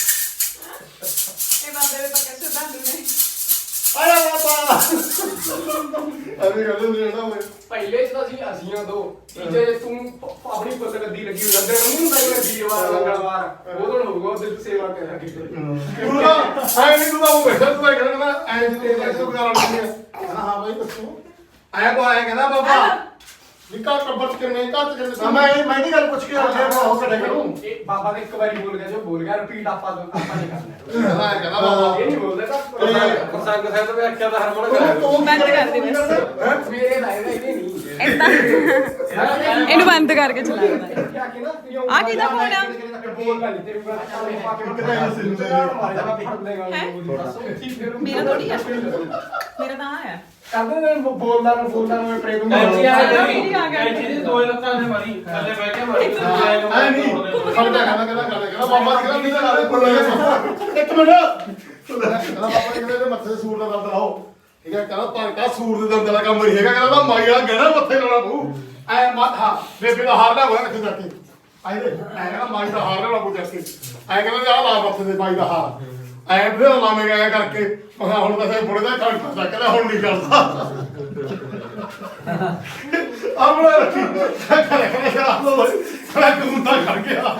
[SPEAKER 4] ਇਹ ਬਾਬੇ ਦੇ ਪੱਕੇ ਸ਼ਰਧਾਲੂ ਨੇ
[SPEAKER 2] ਆਇਆ ਬਾਬਾ ਅਰੇ ਗੱਲ ਨਹੀਂ ਨਾ ਮੈਂ
[SPEAKER 1] ਪਹਿਲੇ ਚ ਤਾਂ ਅਸੀਂ ਅਸੀਆਂ ਦੋ ਤੀਜੇ ਚ ਤੂੰ ਪ- ਆਪਣੀ ਪੁੱਤ ਗੱਦੀ ਲੱਗੀ ਹੋਈ ਅੰਦਰ ਨੂੰ ਹੁੰਦਾ ਜਿਹੜਾ ਵੀਰਵਾਰ ਮੰਗਲਵਾਰ ਉਦੋਂ ਹੋਊਗਾ ਉਹਦੇ ਸੇਵਾ ਕਰਾਂਗੇ
[SPEAKER 2] ਤੂੰ ਨਾ ਆਏ ਨਹੀਂ ਤੂੰ ਤਾਂ ਉਹ ਬੈਠਾ ਤੂੰ ਕਹਿੰਦਾ ਮੈਂ ਐਂ ਜਿੱਤੇ ਐਸੇ ਵਗਾਰਾ ਨਹੀਂ ਹੈ ਕਹਿੰਦਾ ਹਾਂ ਬਾਈ ਦੱਸੋ ਆਇਆ ਕੋ ਆਇਆ ਕਹਿੰਦਾ ਬਾਬਾ ਨਿਕਾ ਟੱਬਰ ਕਿੰਨੇ ਘੱਟ ਕਿੰਨੇ ਮੈਂ ਮੈਂ ਨਹੀਂ ਗੱਲ ਪੁੱਛ ਕੇ ਆਇਆ ਮੈਂ ਉਹ ਕਰਿਆ ਕਰੂੰ
[SPEAKER 1] ਇਹ ਬਾਬਾ ਨੇ ਇੱਕ ਵਾਰੀ ਬੋਲ ਗਿਆ ਜੋ ਬੋਲ ਗਿਆ ਰਿਪੀਟ ਆਪਾਂ ਆਪਾਂ ਨਹੀਂ ਕਰਨਾ
[SPEAKER 2] ਕਹਿੰਦਾ ਕਹਿੰਦਾ ਬਾਬਾ
[SPEAKER 1] ਇਹ ਨਹੀਂ ਬੋਲਦਾ ਤਾਂ
[SPEAKER 5] ਪ੍ਰਸੰਗ ਸਾਹਿਬ ਤੋਂ ਵਿਆਖਿਆ ਦਾ ਹਰਮਨ ਕਰਾਇਆ
[SPEAKER 4] ਬੰਦ ਕਰ ਦੇ ਬਸ
[SPEAKER 1] ਮੇਰੇ ਲਾਇਦਾ ਇਹ ਨਹੀਂ
[SPEAKER 4] ਏਦਾਂ ਇਹਨੂੰ ਬੰਦ ਕਰਕੇ ਚਲਾ ਦੇ
[SPEAKER 1] ਕਿਹਾ ਕਿ ਨਾ
[SPEAKER 4] ਆ ਕਿਹਦਾ ਫੋਨ ਆ?
[SPEAKER 1] ਬੋਲਦਾ ਨਹੀਂ ਤੇਰੇ ਕੋਲ ਚਾਲੇ ਪਾ ਕੇ ਕਿਤੇ ਨਹੀਂ ਸਿਰ ਤੇ ਮਾਰ ਜਾਣਾ ਫੜ ਲੇਗਾ
[SPEAKER 4] ਮੇਰਾ ਥੋੜੀ ਆ ਮੇਰਾ ਤਾਂ ਆ
[SPEAKER 1] ਕਹਿੰਦੇ ਨੇ ਬੋਲਦਾ ਨਾ ਬੋਲਦਾ ਮੈਂ ਪ੍ਰੇਮ ਨੂੰ
[SPEAKER 5] ਕੈਂਚੀ ਆ
[SPEAKER 4] ਆ
[SPEAKER 5] ਗਈ
[SPEAKER 4] ਗਿਆ।
[SPEAKER 5] ਕੈਂਚੀ ਦੀ ਦੋ ਲੱਤਾਂ ਨੇ ਮਾਰੀ ਥੱਲੇ ਬਹਿ ਕੇ ਮਾਰੀ
[SPEAKER 2] ਐ ਨਹੀਂ ਖੜਦਾ ਕਹਿੰਦਾ ਕਹਿੰਦਾ ਕਹਿੰਦਾ ਕਹਿੰਦਾ ਬਾਬਾ ਕਹਿੰਦਾ ਨਹੀਂ ਤਾਂ ਨਾਲੇ ਬੋਲ ਇੱਕ ਮਿੰਟ ਕਹਿੰਦਾ ਬਾਬਾ ਕਹਿੰਦਾ ਇਹਦੇ ਮੱਥੇ ਤੇ ਸੂਰ ਦਾ ਦੰਦ ਲਾਓ ਠੀਕ ਹੈ ਕਹਿੰਦਾ ਪਰ ਕਾ ਸੂਰ ਦੇ ਦੰਦ ਦਾ ਕੰਮ ਨਹੀਂ ਹੈਗਾ ਕਹਿੰਦਾ ਮਾਈ ਵਾਲਾ ਗਹਿਣਾ ਮੱਥੇ ਲਾਉਣਾ ਤੂੰ ਐ ਮੱਥਾ ਬੇਬੇ ਦਾ ਹਾਰ ਲੈ ਹੋਇਆ ਕਿੱਥੇ ਜਾ ਕੇ ਆਏ ਦੇ ਐ ਕਹਿੰਦਾ ਮਾਈ ਦਾ ਹਾਰ ਲੈ ਬੂ ਜਾ ਕੇ ਐ ਕਹਿੰਦਾ ਆ ਲਾ ਮੱਥੇ ਤੇ ਮਾਈ ਦਾ ਹਾਰ ਐ ਫਿਰ ਲਾਵੇਂ ਗਿਆ ਕਰਕੇ ਮੈਂ ਕਿਹਾ ਹੁਣ ਤਾਂ ਸੇ ਬੁੜੇ ਦਾ ਘੰਟਾ ਚੱਕ ਲੈ ਹੁਣ ਨਹੀਂ ਕਰਦਾ ਆਪਣਾ ਰੱਖੀ ਕਰੇ ਕਰੇ ਸ਼ਰਾਬ ਲੋ ਕਰੇ ਖੂਨ ਦਾ ਖੜ ਗਿਆ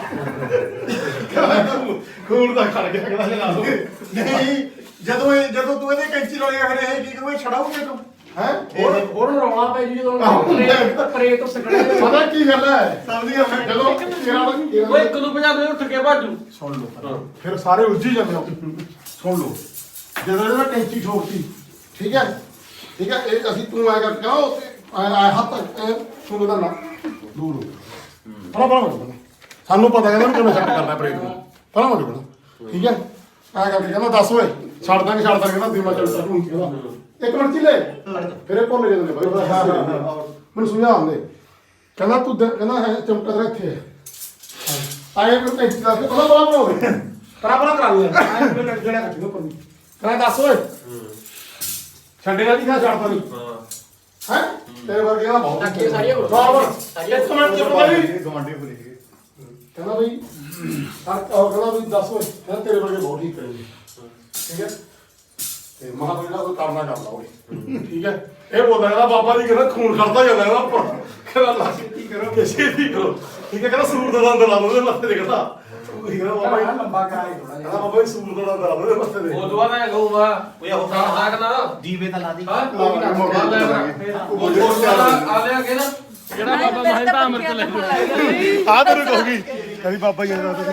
[SPEAKER 2] ਖੂਨ ਦਾ ਖੜ ਗਿਆ ਕਹਿੰਦਾ ਸ਼ਰਾਬ
[SPEAKER 8] ਨਹੀਂ ਜਦੋਂ ਇਹ ਜਦੋਂ ਤੂੰ ਇਹਦੇ ਕੈਂਚੀ ਲਾਉਣੀ ਫਿਰ ਇਹ ਕੀ ਕੋਈ ਛਡਾਉਂਗੇ ਤੂੰ
[SPEAKER 2] ਹੈ
[SPEAKER 1] ਹੋਰ ਹੋਰ ਰੌਲਾ ਪੈ ਜੀ ਜਦੋਂ ਪਰੇ ਤੋਂ ਸਕੜੇ
[SPEAKER 2] ਪਤਾ ਕੀ ਗੱਲ ਹੈ ਸਮਝੀਆਂ ਮੈਂ ਜਦੋਂ ਤੇਰਾ
[SPEAKER 5] ਓਏ ਇੱਕ ਨੂੰ ਪੰਜਾਬੀ ਉੱਠ ਕੇ ਭਾਜੂ
[SPEAKER 2] ਸੁਣ ਲਓ ਫਿਰ ਸਾਰੇ ਉੱਝ ਹੀ ਜਾਂਦੇ ਹੋ ਸੁਣ ਲਓ ਜਦੋਂ ਇਹਦਾ ਕੈਂਚੀ ਠੋਕਤੀ ਠੀਕ ਹੈ ਠੀਕ ਹੈ ਇਹ ਅਸੀਂ ਤੂੰ ਆਏਗਾ ਕਿਉਂ ਆਇਆ ਹੱਥ ਇਹ ਤੂੰ ਉਹਦਾ ਨਾ ਦੂਰ ਹੋ ਫੜਾ ਫੜਾ ਫੜਾ ਸਾਨੂੰ ਪਤਾ ਕਹਿੰਦਾ ਵੀ ਕਿਵੇਂ ਸੈੱਟ ਕਰਨਾ ਬ੍ਰੇਕ ਨੂੰ ਫੜਾ ਹੋ ਜਾਣਾ ਠੀਕ ਹੈ ਆ ਕਰਕੇ ਕਹਿੰਦਾ ਦੱਸ ਓਏ ਛੱਡ ਦਾਂਗੇ ਛੱਡ ਦਾਂਗੇ ਕਹਿੰਦਾ ਦੀਮਾ ਚੱਲ ਤੂੰ ਕਹਿੰਦਾ ਇੱਕ ਮਿੰਟ ਚਿੱਲੇ ਫਿਰ ਇਹ ਭੁੱਲ ਜਾਂਦੇ ਨੇ ਬਾਈ ਹਾਂ ਹਾਂ ਮੈਨੂੰ ਸਮਝਾਉਂਦੇ ਕਹਿੰਦਾ ਤੂੰ ਦੇ- ਕਹਿੰਦਾ ਹੈ ਚਮਕਾ ਤੇਰਾ ਇੱਥੇ ਹੈ ਆਏ ਮੈਨੂੰ ਕੈਂਚੀ ਦੱਸ ਕੇ ਬੜਾ ਬੜਾ ਬਣਾਓ ਬੜਾ ਬੜਾ ਕਰਾ ਲਿਆ ਆਏ ਮੈਨੂੰ ਜਿਹੜਾ ਕੱਢੀ ਉੱਪਰ ਨੂੰ ਕਹਿੰਦਾ ਦੱਸ ਓਏ ਛੱਡੇਗਾ ਨਹੀਂ ਖਾ ਛੱਡਦਾ ਨਹੀਂ ਹੈ ਤੇਰੇ ਵਰਗੇ ਦਾ ਬਹੁਤ
[SPEAKER 1] ਟੱਕੇ ਸਾਰੀਆਂ ਕੋਲ
[SPEAKER 2] ਸਾਰੀਆਂ ਇੱਕ ਮਿੰਟ ਚੁੱਪ ਕਰੀ
[SPEAKER 8] ਗਵਾਂਢੀ ਭੁੱਲ ਗਏ
[SPEAKER 2] ਕਹਿੰਦਾ ਬਈ ਹਰ ਉਹ ਕਹਿੰਦਾ ਵੀ ਦੱਸ ਓਏ ਕਹਿੰਦਾ ਤੇਰੇ ਵਰਗੇ ਬਹੁਤ ਠੀਕ ਕਰਨਗੇ ਠੀਕ ਹੈ ਤੇ ਮਹਾ ਕੋਈ ਨਾ ਕੋਈ ਕਰਨਾ ਕਰ ਲਾ ਓਏ ਠੀਕ ਹੈ ਇਹ ਬੋਲਦਾ ਕਹਿੰਦਾ ਬਾਬਾ ਜੀ ਕਹਿੰਦਾ ਖੂਨ ਖੜਦਾ ਜਾਂਦਾ ਇਹਦਾ ਉੱਪਰ ਕਹਿੰਦਾ ਲਾ ਛੇਤੀ ਕਰੋ ਕਿ ਛੇਤੀ ਕਰੋ ਠੀਕ ਹੈ ਕਹਿੰਦਾ ਸੂਰ ਦਾ ਦੰਦ ਲਾ ਲਓ ਉਹਦੇ ਮੱਥੇ ਤੇ ਕਹਿੰਦਾ ਉਹ ਕਹਿੰਦਾ ਬਾਬਾ ਜੀ ਲੰਬਾ ਕਰਾਈ ਥੋੜਾ ਜਿਹਾ ਬਾਬਾ ਜੀ ਸੂਰ ਦਾ ਦੰਦ ਲਾ ਲਓ ਉਹਦੇ ਮੱਥੇ ਤੇ
[SPEAKER 1] ਉਹ ਦੁਆ ਮੈਂ ਕਹੂੰਗਾ
[SPEAKER 7] ਓਏ ਉਹ
[SPEAKER 1] ਨਾ
[SPEAKER 7] ਦੀਵੇ ਤਾਂ ਲਾ ਦੀ
[SPEAKER 1] ਹਾਂ ਕੋਈ ਨਾ
[SPEAKER 2] ਮੋਟਰ ਲੈ
[SPEAKER 1] ਉਹ ਆ ਲਿਆ ਕੇ ਨਾ ਜਿਹੜਾ ਬਾਬਾ ਮਹਿਤਾ ਅੰਮ੍ਰਿਤ ਲੈ
[SPEAKER 2] ਆ ਤੈਨੂੰ ਕਹੂਗੀ ਕਹਿੰਦੀ ਬਾਬਾ ਜੀ ਦਾ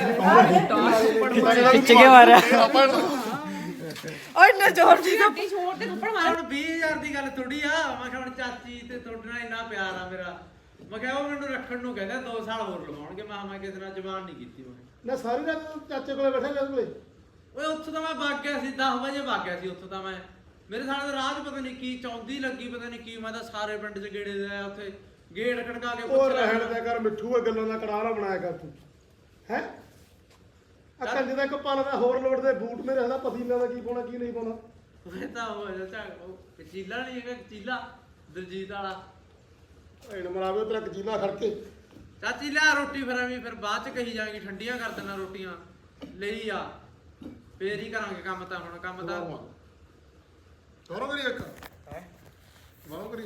[SPEAKER 6] ਖਿੱਚ ਕੇ ਮਾਰਿਆ
[SPEAKER 2] ਆਪਾਂ
[SPEAKER 3] ਓਏ ਨਾ ਜ਼ੋਰ ਦੀ
[SPEAKER 4] ਗੱਡੀ ਛੋੜ ਤੇ ਥੱਪੜ ਮਾਰ
[SPEAKER 6] ਹੁਣ ਵੀਹ ਹਜ਼ਾਰ ਦੀ ਗੱਲ ਥੋੜੀ ਆ ਮੈਂ ਕਿਹਾ ਹੁਣ ਚਾਚੀ ਤੇ ਤੁਹਾਡੇ ਨਾਲ ਇੰਨਾ ਪਿਆਰ ਆ ਮੇਰਾ ਮੈਂ ਕਿਹਾ ਉਹ ਮੈਨੂੰ ਰੱਖਣ ਨੂੰ ਕਹਿੰਦਾ ਦੋ ਸਾਲ ਹੋਰ ਲਵਾਉਣਗੇ ਮੈਂ ਕਿਹਾ ਮੈਂ ਕਿਸੇ ਨਾਲ ਜ਼ਬਾਨ ਨਹੀਂ ਕੀਤੀ ਮੈਂ
[SPEAKER 2] ਨਾ ਸਾਰੀ ਰਾਤ ਚਾਚੇ ਕੋਲੇ ਬੈਠਾ ਗਿਆ ਕੋਲੇ
[SPEAKER 6] ਓਏ ਉੱਥੋਂ ਤਾਂ ਮੈਂ ਵਗ ਗਿਆ ਸੀ ਦਸ ਵਜੇ ਵਗ ਗਿਆ ਸੀ ਉੱਥੋਂ ਤਾਂ ਮੈਂ ਮੇਰੇ ਸਾਲੇ ਦਾ ਰਾਹ 'ਚ ਪਤਾ ਨਹੀਂ ਕੀ ਚੌਂਦੀ ਲੱਗੀ ਪਤਾ ਨਹੀਂ ਕੀ ਮੈਂ ਤਾਂ ਸਾਰੇ ਪਿੰਡ 'ਚ ਗੇੜੇ ਦੇ ਆਇਆ ਉੱਥੇ ਗੇੜ ਖੜਕਾ ਕੇ
[SPEAKER 2] ਉਹ
[SPEAKER 6] ਪੁੱਛ
[SPEAKER 2] ਰਹਿਣ
[SPEAKER 6] ਲਿਆ
[SPEAKER 2] ਦੇ ਕਰ ਮਿੱਠੂ ਇਹ ਗੱਲਾਂ ਦਾ ਕੜਾਰਾ ਬਣਾਇਆ ਕਰ ਤੂੰ ਹੈ ਆ ਕੰਜ ਦਾ ਇੱਕ ਪਨ ਦਾ ਹੋਰ ਲੋੜ ਦੇ ਬੂਟ ਮੇਰੇ ਹਦਾ ਪਤੀਲਾ ਦਾ ਕੀ ਪਾਉਣਾ ਕੀ ਨਹੀਂ ਪਾਉਣਾ
[SPEAKER 6] ਮੈਂ ਤਾਂ ਉਹ ਚਾਚਾ ਉਹ ਚੀਲਾ ਨਹੀਂ ਹੈਗਾ ਚੀਲਾ ਦਲਜੀਤ ਵਾਲਾ
[SPEAKER 2] ਐਨ ਮਰਾਵੇ ਤੇਰਾ ਕਜੀਲਾ ਖੜ ਕੇ
[SPEAKER 6] ਚਾਚੀ ਲਿਆ ਰੋਟੀ ਫਿਰ ਐਵੇਂ ਫਿਰ ਬਾਅਦ 'ਚ ਕਹੀ ਜਾਏਗੀ ਠੰਡੀਆਂ ਕਰ ਦੇਣਾ ਰੋਟੀਆਂ ਲਈ ਆ ਫੇਰ ਹੀ ਕਰਾਂਗੇ ਕੰਮ ਤਾਂ ਹੁਣ ਕੰਮ ਤਾਂ
[SPEAKER 2] ਕਰੋ ਕਰੀ ਇੱਕ ਹੈ ਮਾਰੋ ਕਰੀ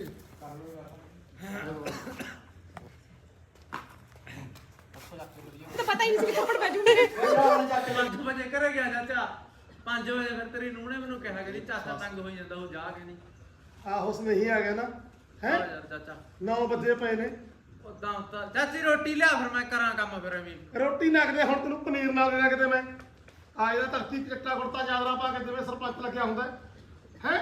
[SPEAKER 4] ਤਾਂ ਪਤਾ ਹੀ ਨਹੀਂ ਸੀ ਥੱਪੜ ਵੱਜੂਗੇ
[SPEAKER 6] ਪੰਜ ਵਜੇ ਘਰੇ ਗਿਆ ਚਾਚਾ ਪੰਜ ਵਜੇ ਫਿਰ ਤੇਰੀ ਨੂੰਹ ਨੇ ਮੈਨੂੰ ਕਿਹਾ ਕਿ ਚਾਚਾ ਤੰਗ ਹੋਈ ਜਾਂਦਾ ਉਹ ਜਾ ਕੇ ਨਹੀਂ
[SPEAKER 2] ਆਹੋ ਉਸ ਨਹੀਂ ਆ ਗਿਆ ਨਾ ਹੈ
[SPEAKER 6] ਆ ਯਾਰ ਚਾਚਾ
[SPEAKER 2] ਨੌ ਵਜੇ ਪਏ ਨੇ
[SPEAKER 6] ਉਦਾਂ ਤਾਂ ਚਾਚੀ ਰੋਟੀ ਲਿਆ ਫਿਰ ਮੈਂ ਕਰਾਂ ਕੰਮ ਫਿਰ ਐਵੇਂ
[SPEAKER 2] ਰੋਟੀ ਨਗਦੇ ਹੁਣ ਤੈਨੂੰ ਪਨੀਰ ਨਾਲ ਦੇਣਾ ਕਿਤੇ ਮੈਂ ਆ ਇਹਦਾ ਧਰਤੀ ਚਿੱਟਾ ਕੁੜਤਾ ਚਾਦਰਾ ਪਾ ਕੇ ਜਿਵੇਂ ਸਰਪੰਚ ਲੱਗਿਆ ਹੁੰਦਾ ਹੈ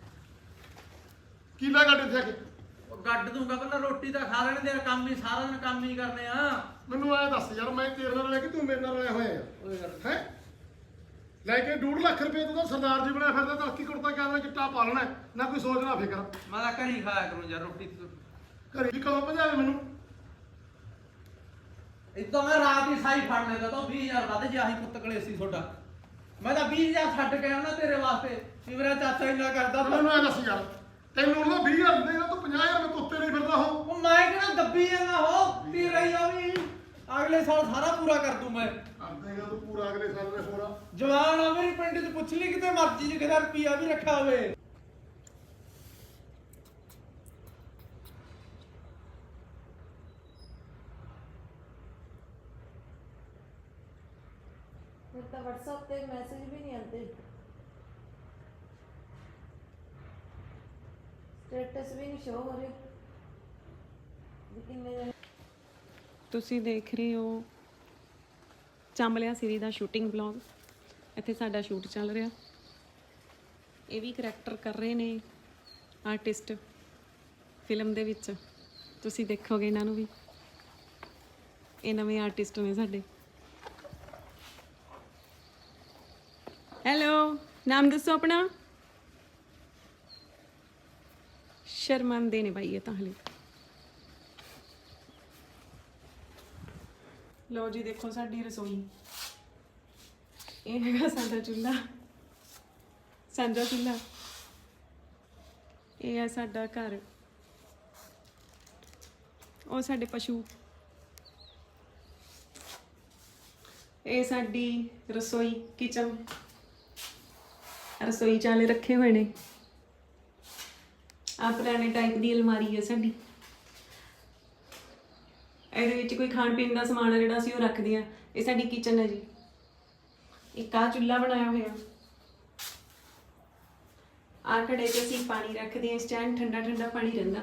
[SPEAKER 2] ਕੀਲਾ ਗੱਡ ਇੱਥੇ ਆ ਕੇ
[SPEAKER 6] ਉਹ ਗੱਡ ਦੂੰਗਾ ਪਹਿਲਾਂ ਰੋਟੀ ਤਾਂ ਖਾ ਲੈਣ ਦੇ ਕੰਮ ਹੀ ਸਾਰਾ ਦਿਨ ਕੰਮ ਹੀ ਕਰਨੇ ਆ
[SPEAKER 2] ਮੈਨੂੰ ਐ ਦੱਸ ਯਾਰ ਮੈਂ ਤੇਰੇ ਨਾਲ ਲੈ ਕੇ ਤੂੰ ਮੇਰੇ ਨਾਲ ਰਲਿਆ ਹੋਇਆ
[SPEAKER 6] ਓਏ ਯਾਰ
[SPEAKER 2] ਹੈ ਲੈ ਕੇ ਡੂਢ ਲੱਖ ਰੁਪਏ ਤੂੰ ਤਾਂ ਸਰਦਾਰ ਜੀ ਬਣਿਆ ਫਿਰਦਾ ਧਰਤੀ ਕੁੜਤਾ ਚਾਦਰਾ ਚਿੱਟਾ ਪਾ ਲੈਣਾ ਨਾ ਕੋਈ ਸੋਚਣਾ ਫਿਕਰ
[SPEAKER 6] ਮੈਂ ਤਾਂ ਘਰੀ ਖਾਇਆ ਕਰੂੰ ਯਾਰ ਰੋਟੀ
[SPEAKER 2] ਘਰੇ ਵੀ ਕਦੋਂ ਭਜਾਵੇ ਮੈਨੂੰ
[SPEAKER 6] ਇਦੋਂ ਮੈਂ ਰਾਤ ਹੀ ਸਾਈ ਫੜ ਲੈਂਦਾ ਤਾਂ ਵੀਹ ਹਜ਼ਾਰ ਵੱਧ ਜੇ ਆਹੀ ਪੁੱਤ ਕਲੇ ਸੀ ਤੁਹਾਡਾ ਮੈਂ ਤਾਂ ਵੀਹ ਹਜ਼ਾਰ ਛੱਡ ਕੇ ਆਉਣਾ ਤੇਰੇ ਵਾਸਤੇ ਵੀ ਮੇਰਾ ਚਾਚਾ ਇੰਨਾ ਕਰਦਾ ਤਾਂ
[SPEAKER 2] ਮੈਨੂੰ ਐ ਦੱਸ ਯਾਰ ਤੈਨੂੰ ਉਹਦਾ ਵੀਹ ਹਜ਼ਾਰ ਦਿੰਦੇ ਤਾਂ ਤੂੰ ਪੰਜਾਹ ਹਜ਼ਾਰ ਮੈਂ ਤੁੱਤੇ ਨਹੀਂ ਫਿਰਦਾ ਹੋ
[SPEAKER 6] ਉਹ ਮੈਂ ਕਿਹੜਾ ਦੱਬੀ ਜਾਂਦਾ ਹੋ ਤੀ ਰਹੀ ਆ ਵੀ ਅਗਲੇ ਸਾਲ ਸਾਰਾ ਪੂਰਾ ਕਰ ਦੂੰ ਮੈਂ
[SPEAKER 2] ਕਰਦੇਗਾ ਤੂੰ ਪੂਰਾ ਅਗਲੇ ਸਾਲ ਦੇ ਹੋਰਾ
[SPEAKER 6] ਜਵਾਨ ਆ ਮੇਰੀ ਪਿੰਡ 'ਚ ਪੁੱਛ ਲਈ ਕਿਤੇ ਮਰਜ਼ੀ 'ਚ ਕਿਤੇ ਰੁਪਿਆ ਵੀ ਰੱਖਿਆ ਹੋਵੇ
[SPEAKER 3] ਫਿਰ ਤਾਂ WhatsApp ਤੇ ਮੈਸੇਜ ਵੀ ਨਹੀਂ ਆਉਂਦੇ ਸਟੇਟਸ ਵੀ ਨਹੀਂ ਸ਼ੋ ਹੋ ਰਹੇ ਵੀ ਕਿੰਨੇ ਜਣੇ
[SPEAKER 4] ਤੁਸੀਂ ਦੇਖ ਰਹੇ ਹੋ ਚਾਂਬਲਿਆ ਸੀਰੀ ਦਾ ਸ਼ੂਟਿੰਗ ਵਲੌਗ ਇੱਥੇ ਸਾਡਾ ਸ਼ੂਟ ਚੱਲ ਰਿਹਾ ਇਹ ਵੀ ਕਰੈਕਟਰ ਕਰ ਰਹੇ ਨੇ ਆਰਟਿਸਟ ਫਿਲਮ ਦੇ ਵਿੱਚ ਤੁਸੀਂ ਦੇਖੋਗੇ ਇਹਨਾਂ ਨੂੰ ਵੀ ਇਹ ਨਵੇਂ ਆਰਟਿਸਟ ਨੇ ਸਾਡੇ ਹੈਲੋ ਨਾਮ ਦੱਸੋ ਆਪਣਾ ਸ਼ਰਮੰਦੇ ਨੇ ਬਾਈ ਇਹ ਤਾਂ ਹਲੇ ਲਓ ਜੀ ਦੇਖੋ ਸਾਡੀ ਰਸੋਈ ਇਹ ਹੈਗਾ ਸਾਡਾ ਚੁੱਲ੍ਹਾ ਸਾਂਝਾ ਚੁੱਲ੍ਹਾ ਇਹ ਹੈ ਸਾਡਾ ਘਰ ਉਹ ਸਾਡੇ ਪਸ਼ੂ ਇਹ ਸਾਡੀ ਰਸੋਈ ਕਿਚਨ ਰਸੋਈ ਚਾਲੇ ਰੱਖੇ ਹੋਏ ਨੇ ਆ ਪੁਰਾਣੇ ਟਾਈਪ ਦੀ ਅਲਮਾਰੀ ਹੈ ਸਾਡੀ ਇਹਦੇ ਵਿੱਚ ਕੋਈ ਖਾਣ ਪੀਣ ਦਾ ਸਮਾਨ ਹੈ ਜਿਹੜਾ ਅਸੀਂ ਉਹ ਰੱਖਦੇ ਆ ਇਹ ਸਾਡੀ ਕਿਚਨ ਹੈ ਜੀ ਇੱਕ ਆ ਚੁੱਲ੍ਹਾ ਬਣਾਇਆ ਹੋਇਆ ਆ ਘੜੇ 'ਚ ਅਸੀਂ ਪਾਣੀ ਰੱਖਦੇ ਆ ਸਟੈਂਡ ਠੰਡਾ ਠੰਡਾ ਪਾਣੀ ਰਹਿੰਦਾ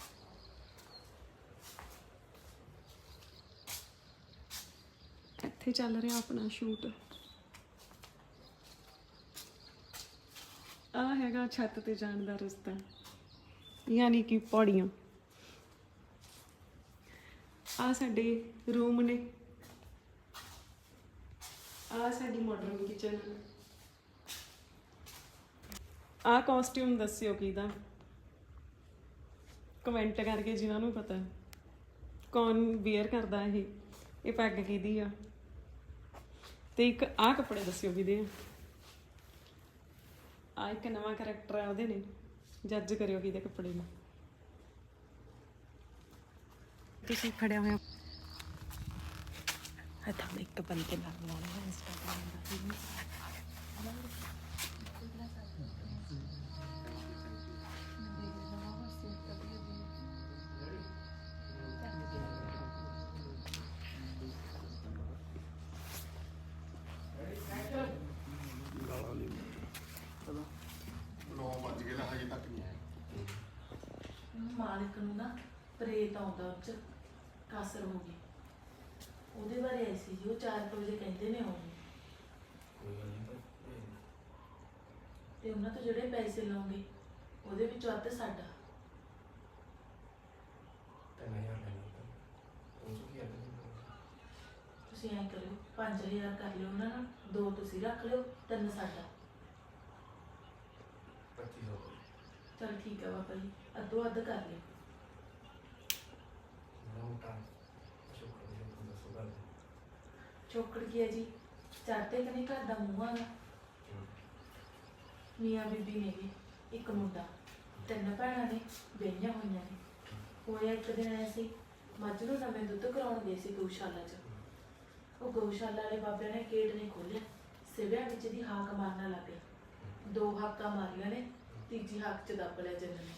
[SPEAKER 4] ਇੱਥੇ ਚੱਲ ਰਿਹਾ ਆਪਣਾ ਸ਼ੂਟ। ਆ ਹੈਗਾ ਛੱਤ ਤੇ ਜਾਣ ਦਾ ਰਸਤਾ, ਯਾਨੀ ਕਿ ਪੌੜੀਆਂ। ਆ ਸਾਡੇ ਰੂਮ ਨੇ, ਆ ਸਾਡੀ ਮਾਡਰਨ ਕਿਚਨ। ਆ ਕਾਸਟਿਊਮ ਦੱਸਿਓ ਕਿਹਦਾ, ਕਮੈਂਟ ਕਰਕੇ ਜਿਨ੍ਹਾਂ ਨੂੰ ਪਤਾ ਕੌਣ ਵੇਅਰ ਕਰਦਾ ਇਹ ਇਹ ਪੈਗ ਕਿਹਦੀ ਆ। ਤੇ ਇੱਕ ਆ ਕੱਪੜੇ ਦੱਸਿਓ ਕਿਹਦੇ ਆ। ਆ ਇੱਕ ਨਵਾਂ ਕਰੈਕਟਰ ਆ ਉਹਦੇ ਨੇ, ਜੱਜ ਕਰਿਓ ਕਿਹਦੇ ਕੱਪੜੇ ਨੇ। ਤੁਸੀਂ ਖੜਿਆ ਹੋਇਆ ਤਾਂ ਮੈਂ ਇੱਕ ਬੰਦੇ ਨਾਲ ਲਾਉਣਾ ਇੰਸਟਾਗ੍ਰਾਮ ਦਾ।
[SPEAKER 2] ਨੌ ਵੱਜ ਗਏ ਨਾ, ਹਜੇ ਤੱਕ ਨਹੀਂ ਆਇਆ।
[SPEAKER 3] ਮਾਲਕ ਨੂੰ ਨਾ ਪ੍ਰੇਤ ਆਉਂਦਾ, ਉਹ 'ਚ ਕਾਸਰ ਹੋ ਗਈ। ਉਹਦੇ ਬਾਰੇ ਆਈ ਸੀ ਜੀ, ਉਹ ਚਾਰ ਕੁ ਵਜੇ ਕਹਿੰਦੇ ਨੇ ਆਉਣੀ। ਤੇ ਉਹਨਾਂ ਤੋਂ ਜਿਹੜੇ ਪੈਸੇ ਲਓਗੇ ਉਹਦੇ ਵਿੱਚੋਂ ਅੱਧ ਸਾਡਾ। ਤੁਸੀਂ ਐਂ ਕਰਿਓ, ਪੰਜ ਹਜ਼ਾਰ ਕਰ ਲਿਓ ਉਹਨਾਂ ਨਾਲ, ਦੋ ਤੁਸੀਂ ਰੱਖ ਲਿਓ, ਤਿੰਨ ਸਾਡਾ। ਚਲ ਠੀਕ ਹੈ ਬਾਬਾ ਜੀ, ਅੱਧੋ ਅੱਧ ਕਰ ਲਿਓ। ਚੌਕੜ ਕੀ ਹੈ ਜੀ, ਚੜ੍ਹਦੇ ਕਨੇ ਘਰ ਦਾ ਮੂੰਹ ਆਗਾ। ਮੀਆਂ ਬੀਬੀ ਨੇਗੇ, ਇੱਕ ਮੁੰਡਾ, ਤਿੰਨ ਭੈਣਾਂ ਨੇ, ਵਿਆਹੀਆਂ ਹੋਈਆਂ ਨੇ। ਹੋਇਆ ਇੱਕ ਦਿਨ ਆਇਆ ਸੀ, ਮੱਝ ਨੂੰ ਨਵੇਂ ਦੁੱਧ ਕਰਾਉਣ ਗਏ ਸੀ ਗਊਸ਼ਾਲਾ 'ਚ। ਉਹ ਗਊਸ਼ਾਲਾ ਵਾਲੇ ਬਾਬਿਆਂ ਨੇ ਗੇਟ ਨਹੀਂ ਖੋਲ੍ਹਿਆ, ਸਿਵਿਆਂ ਵਿੱਚ ਦੀ ਹਾਕ ਮਾਰਨਾ ਲੱਗ ਗਿਆ। ਦੋ ਹਾਕਾਂ ਮਾਰੀਆਂ ਨੇ, ਤੀਜੀ ਹਾਕ 'ਚ ਦੱਬ ਲਿਆ ਜੰਨ ਨੇ।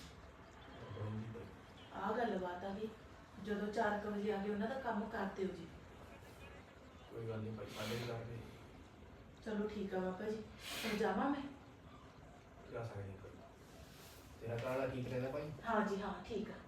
[SPEAKER 3] ਆਹ ਗੱਲਬਾਤ ਆ ਗਈ। ਜਦੋਂ ਚਾਰ ਕੁ ਵਜੇ ਆ ਗਏ, ਉਹਨਾਂ ਦਾ ਕੰਮ ਕਰ ਦਿਓ ਜੀ।
[SPEAKER 1] ਕੋਈ ਗੱਲ ਨਹੀਂ ਭਾਈ, ਸਾਡੇ ਵੀ ਕਰਦੇ।
[SPEAKER 3] ਚਲੋ ਠੀਕ ਆ ਬਾਬਾ ਜੀ, ਹੁਣ ਜਾਵਾਂ ਮੈਂ?
[SPEAKER 1] ਜਾ ਸਕਦੇ ਤੇਰਾ ਕਾਲਾ ਠੀਕ ਰਹਿੰਦਾ ਭਾਈ?
[SPEAKER 3] ਹਾਂ ਜੀ ਹਾਂ, ਠੀਕ ਆ।